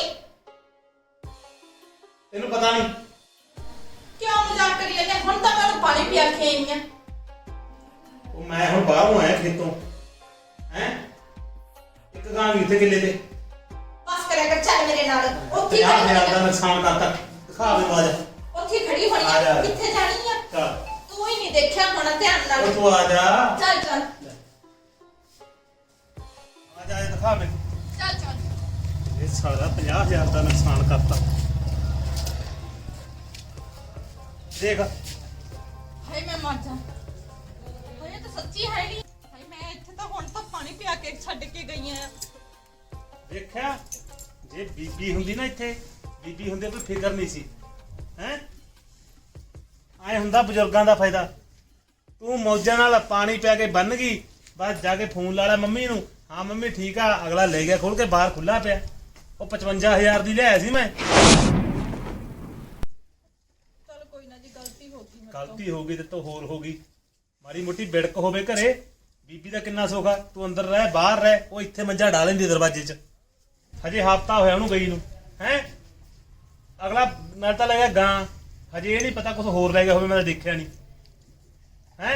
S3: ਤੈਨੂੰ ਪਤਾ ਨਹੀਂ
S1: ਕਿਉਂ ਮਜ਼ਾਕ ਕਰੀ ਜਾਂਦੇ ਹੁਣ ਤਾਂ ਮੈਂ ਉਹਨੂੰ ਪਾਣੀ ਪਿਆ ਕੇ ਆਈ ਆ
S3: ਉਹ ਮੈਂ ਹੁਣ ਬਾਹਰੋਂ ਆਇਆ ਖੇਤੋਂ ਹੈ। ਇੱਕ ਗਾਂ ਵੀ ਇੱਥੇ ਕਿੱਲੇ ਤੇ
S1: ਬਸ ਕਰਿਆ ਕਰ ਚੱਲ ਮੇਰੇ ਨਾਲ ਉੱਥੇ ਹੀ
S3: ਪੰਜਾਹ
S1: ਖੜੀ
S3: ਹਜ਼ਾਰ ਦਾ
S1: ਹੋਣੀ
S3: ਨੁਕਸਾਨ ਕਰਤਾ। ਦਿਖਾ ਦੇ ਬਾਜ।
S1: ਆ ਉੱਥੇ ਹੀ ਖੜੀ ਹੋਣੀ
S3: ਆ ਜਾ।
S1: ਆ ਕਿੱਥੇ ਜਾਣੀ ਆ
S3: ਚੱਲ
S1: ਤੂੰ ਹੀ ਨਹੀਂ ਦੇਖਿਆ ਹੋਣਾ ਧਿਆਨ ਨਾਲ
S3: ਉਹ ਤੂੰ ਆ ਜਾ
S1: ਚੱਲ ਚੱਲ
S3: ਆ ਜਾ ਇਹ ਦਿਖਾ ਮੈਨੂੰ।
S1: ਚੱਲ ਚੱਲ
S3: ਇਹ ਸਾਰਾ ਪੰਜਾਹ ਹਜ਼ਾਰ ਦਾ ਨੁਕਸਾਨ ਕਰਤਾ ਦੇਖ।
S1: ਹਾਏ ਮੈਂ ਮਰ ਜਾ ਹਾਏ ਇਹ ਤਾਂ ਸੱਚੀ ਹੈ ਨਹੀਂ ਹਾਏ ਮੈਂ ਇੱਥੇ ਤਾਂ ਹੁਣ ਤਾਂ ਪਾਣੀ ਪਿਆ ਕੇ ਛੱਡ ਕੇ ਗਈ ਆ
S3: ਦੇਖਿਆ ਜੇ ਬੀਬੀ ਹੁੰਦੀ ਨਾ ਇੱਥੇ, ਬੀਬੀ ਹੁੰਦੀ ਕੋਈ ਫਿਕਰ ਨਹੀਂ ਸੀ ਹੈ। ਐ ਹੁੰਦਾ ਬਜ਼ੁਰਗਾਂ ਦਾ ਫਾਇਦਾ। ਤੂੰ ਮੌਜਾਂ ਨਾਲ ਪਾਣੀ ਪਿਆ ਕੇ ਬੰਨ ਗਈ, ਬਸ ਜਾ ਕੇ ਫੋਨ ਲਾ ਲਿਆ ਮੰਮੀ ਨੂੰ, ਹਾਂ ਮੰਮੀ ਠੀਕ ਆ, ਅਗਲਾ ਲੈ ਗਿਆ ਖੋਲ ਕੇ ਬਾਹਰ ਖੁੱਲਾ ਪਿਆ। ਉਹ ਪਚਵੰਜਾ ਹਜ਼ਾਰ ਦੀ ਲਿਆਇਆ ਸੀ ਮੈਂ।
S6: ਚਲ ਕੋਈ ਨਾ ਜੀ, ਗਲਤੀ ਹੋ ਗਈ ਮੇਰੇ ਤੋਂ।
S3: ਗਲਤੀ ਹੋ ਗਈ ਤੇ ਤੋਂ ਹੋਰ ਹੋ ਗਈ। ਮਾੜੀ ਮੋਟੀ ਬਿੜਕ ਹੋਵੇ ਘਰੇ। ਬੀਬੀ ਦਾ ਕਿੰਨਾ ਸੁੱਖ ਆ, ਤੂੰ ਅੰਦਰ ਰਹਿ ਬਾਹਰ ਰਹਿ, ਉਹ ਇੱਥੇ ਮੰਜਾ ਢਾ ਲੈਂਦੀ ਦਰਵਾਜ਼ੇ 'ਚ। ਹਜੇ ਹਫ਼ਤਾ ਹੋਇਆ ਉਹਨੂੰ ਗਈ ਨੂੰ ਹੈ। ਅਗਲਾ ਨਾਲ ਤਾਂ ਲੈ ਗਿਆ ਗਾਂ, ਹਜੇ ਇਹ ਨਹੀਂ ਪਤਾ ਕੁਝ ਹੋਰ ਲੈ ਗਿਆ ਹੋਵੇ, ਮੈਂ ਤਾਂ ਦੇਖਿਆ ਨਹੀਂ ਹੈ।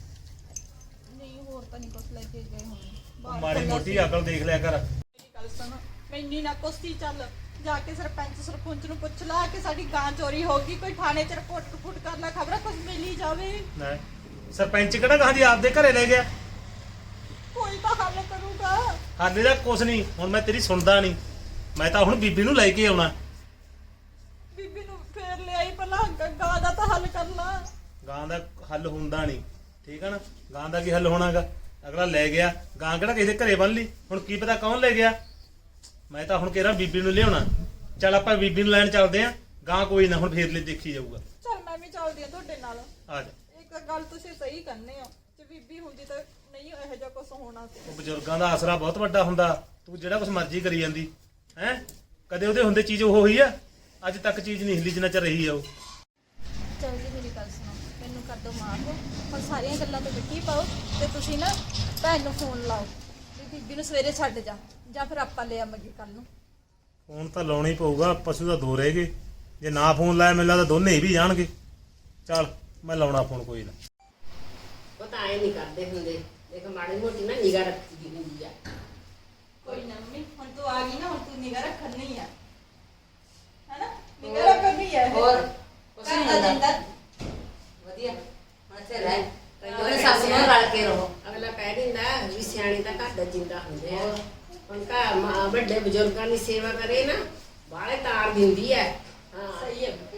S6: ਨਹੀਂ ਹੋਰ ਤਾਂ ਨਹੀਂ ਕੁਛ ਲੈ ਕੇ ਗਏ ਹੋਣੇ। ਬਾਹਰ
S3: ਮਾੜੀ
S6: ਖੁੱਲ੍ਹਾ
S3: ਮੋਟੀ
S6: ਸੀ।
S3: ਅਕਲ ਦੇਖ ਲਿਆ ਕਰ।
S6: ਮੇਰੀ ਗੱਲ ਸੁਣ, ਮੈਨੀ ਨਾ ਕੁਛ ਹੀ ਚੱਲ ਜਾ ਕੇ ਸਰਪੰਚ ਸਰਪੰਚ ਨੂੰ ਪੁੱਛ ਲਾ ਕਿ ਸਾਡੀ ਗਾਂ ਚੋਰੀ ਹੋ ਗਈ, ਕੋਈ ਥਾਣੇ 'ਚ ਰਿਪੋਰਟ ਰਿਪੋਰਟ ਕਰ ਲੈ, ਖਬਰ ਕੁਝ ਮਿਲ ਹੀ ਜਾਵੇ।
S3: ਲੈ ਸਰਪੰਚ ਕਿਹੜਾ ਕਹਾਂ ਦੀ ਆਪਦੇ ਘਰੇ ਲੈ ਗਿਆ।
S6: ਕੋਈ ਤਾਂ ਹੱਲ ਕਰੂਗਾ।
S3: ਹਾਲੇ ਦਾ ਕੁਛ ਨਹੀਂ, ਹੁਣ ਮੈਂ ਤੇਰੀ ਸੁਣਦਾ ਨਹੀਂ। ਮੈਂ ਤਾਂ ਹੁਣ ਬੀਬੀ ਨੂੰ ਲੈ ਕੇ ਆਉਣਾ।
S6: ਬੀਬੀ ਨੂੰ ਫੇਰ ਲਿਆਈ, ਪਹਿਲਾਂ ਗਾਂ ਦਾ ਤਾਂ ਹੱਲ ਕਰ ਲਾ।
S3: ਗਾਂ ਦਾ ਹੱਲ ਹੁੰਦਾ ਨਹੀਂ, ਠੀਕ ਹੈ ਨਾ। ਗਾਂ ਦਾ ਕੀ ਹੱਲ ਹੋਣਾਗਾ, ਅਗਲਾ ਲੈ ਗਿਆ ਗਾਂ, ਕਿਹੜਾ ਕਿਸੇ ਦੇ ਘਰੇ ਬੰਨ ਲਈ। ਹੁਣ ਕੀ ਪਤਾ ਕੌਣ ਲੈ ਗਿਆ। ਮੈਂ ਤਾਂ ਹੁਣ ਕਹਿ ਰਿਹਾ ਬੀਬੀ ਨੂੰ ਲਿਆਉਣਾ। ਚੱਲ ਆਪਾਂ ਬੀਬੀ ਨੂੰ ਲੈਣ ਚੱਲਦੇ ਆਂ। ਗਾਂ ਕੋਈ ਨਾ, ਹੁਣ ਫੇਰ ਲਈ ਦੇਖੀ ਜਾਊਗਾ।
S6: ਚਲ ਮੈਂ ਵੀ ਚੱਲਦੀ ਆ ਤੁਹਾਡੇ ਨਾਲ।
S3: ਆ ਜਾ।
S6: ਇੱਕ ਗੱਲ ਤੁਸੀਂ ਸਹੀ ਕਹਿੰਦੇ ਹੋ, ਜੇ ਬੀਬੀ ਹੁੰਦੀ ਤਾਂ ਨਹੀਂ ਇਹੋ ਜਿਹਾ ਕੁਝ ਹੋਣਾ ਸੀ।
S3: ਉਹ ਬਜ਼ੁਰਗਾਂ ਦਾ ਆਸਰਾ ਬਹੁਤ ਵੱਡਾ ਹੁੰਦਾ। ਤੂੰ ਜਿਹੜਾ ਕੁਛ ਮਰਜ਼ੀ ਕਰੀ ਜਾਂਦੀ ਹੈ, ਕਦੇ ਉਹਦੇ ਹੁੰਦੇ ਚੀਜ਼ ਉਹ ਹੋਈ ਆ। ਅੱਜ ਤੱਕ ਚੀਜ਼ ਨਹੀਂ ਹਿੱਲੀ ਜਿੰਨਾ ਚਿਰ ਰਹੀ ਆ ਉਹ।
S6: ਚਲ ਜੀ ਮੇਰੀ ਗੱਲ ਸੁਣੋ, ਮੈਨੂੰ ਕਰ ਦੋ ਮਾਫ। ਹੁਣ ਸਾਰੀਆਂ ਗੱਲਾਂ ਤੋਂ ਮਿੱਟੀ ਪਾਓ ਤੇ ਤੁਸੀਂ ਨਾ ਭੈਣ ਨੂੰ ਫੋਨ ਲਾਓ ਵੀ ਬੀਬੀ ਨੂੰ ਸਵੇਰੇ ਛੱਡ ਜਾ, ਜਾਂ ਫਿਰ ਆਪਾਂ ਲੈ ਆਵਾਂਗੇ ਕੱਲ ਨੂੰ।
S3: ਫੋਨ ਤਾਂ ਲਾਉਣਾ ਹੀ ਪਊਗਾ, ਪਸ਼ੂ ਤਾਂ ਦੋ ਰਹਿ ਗਏ। ਜੇ ਨਾ ਫੋਨ ਲਾਇਆ ਮੈਨੂੰ ਲੱਗਦਾ ਦੋਨੇ ਹੀ ਵੀ ਜਾਣਗੇ। ਚੱਲ ਮੈਂ ਲਾਉਣਾ ਫੋਨ, ਕੋਈ ਨਾ।
S2: ਉਹ ਤਾਂ ਐ ਨਹੀਂ ਕਰਦੇ ਹੁੰਦੇ, ਦੇਖ ਮਾੜੀ ਮੋਟੀ ਨਾ ਨਿਗਾਹ ਰੱਖੀ ਦੀ ਹੁੰਦੀ ਆ।
S6: ਕੋਈ ਨਾ ਮੰਮੀ, ਹੁਣ ਤੂੰ ਆ ਗਈ ਨਾ, ਹੁਣ ਤੂੰ ਨਿਗਾਹ ਰੱਖਣ ਨਹੀਂ ਆ, ਹੈਨਾ? ਨਿਗਾਹ ਰੱਖਣ ਨਹੀਂ ਆ।
S5: ਹੋਰ
S6: ਕੁਛ ਨਹੀਂ ਹੁੰਦਾ।
S5: ਵਧੀਆ ਹੁਣ ਇੱਥੇ ਰਹਿ,
S2: ਉਹਨੇ
S5: ਸੱਸ ਨਾਲ ਰਲ ਕੇ ਰਹੋ।
S2: ਅਗਲਾ ਕਹਿ ਦਿੰਦਾ ਵੀ ਸਿਆਣੇ ਤਾਂ ਘਰ ਦਾ ਜਿੰਦਾ ਹੁੰਦੇ ਆ। ਹੁਣ ਘਰ ਮਾਂ ਵੱਡੇ ਬਜ਼ੁਰਗਾਂ ਦੀ ਸੇਵਾ ਕਰੇ ਨਾ, ਬਾਹਲੇ ਤਾਰ ਦਿੰਦੀ ਐ। ਹਾਂ
S6: ਸਹੀ ਹੈ।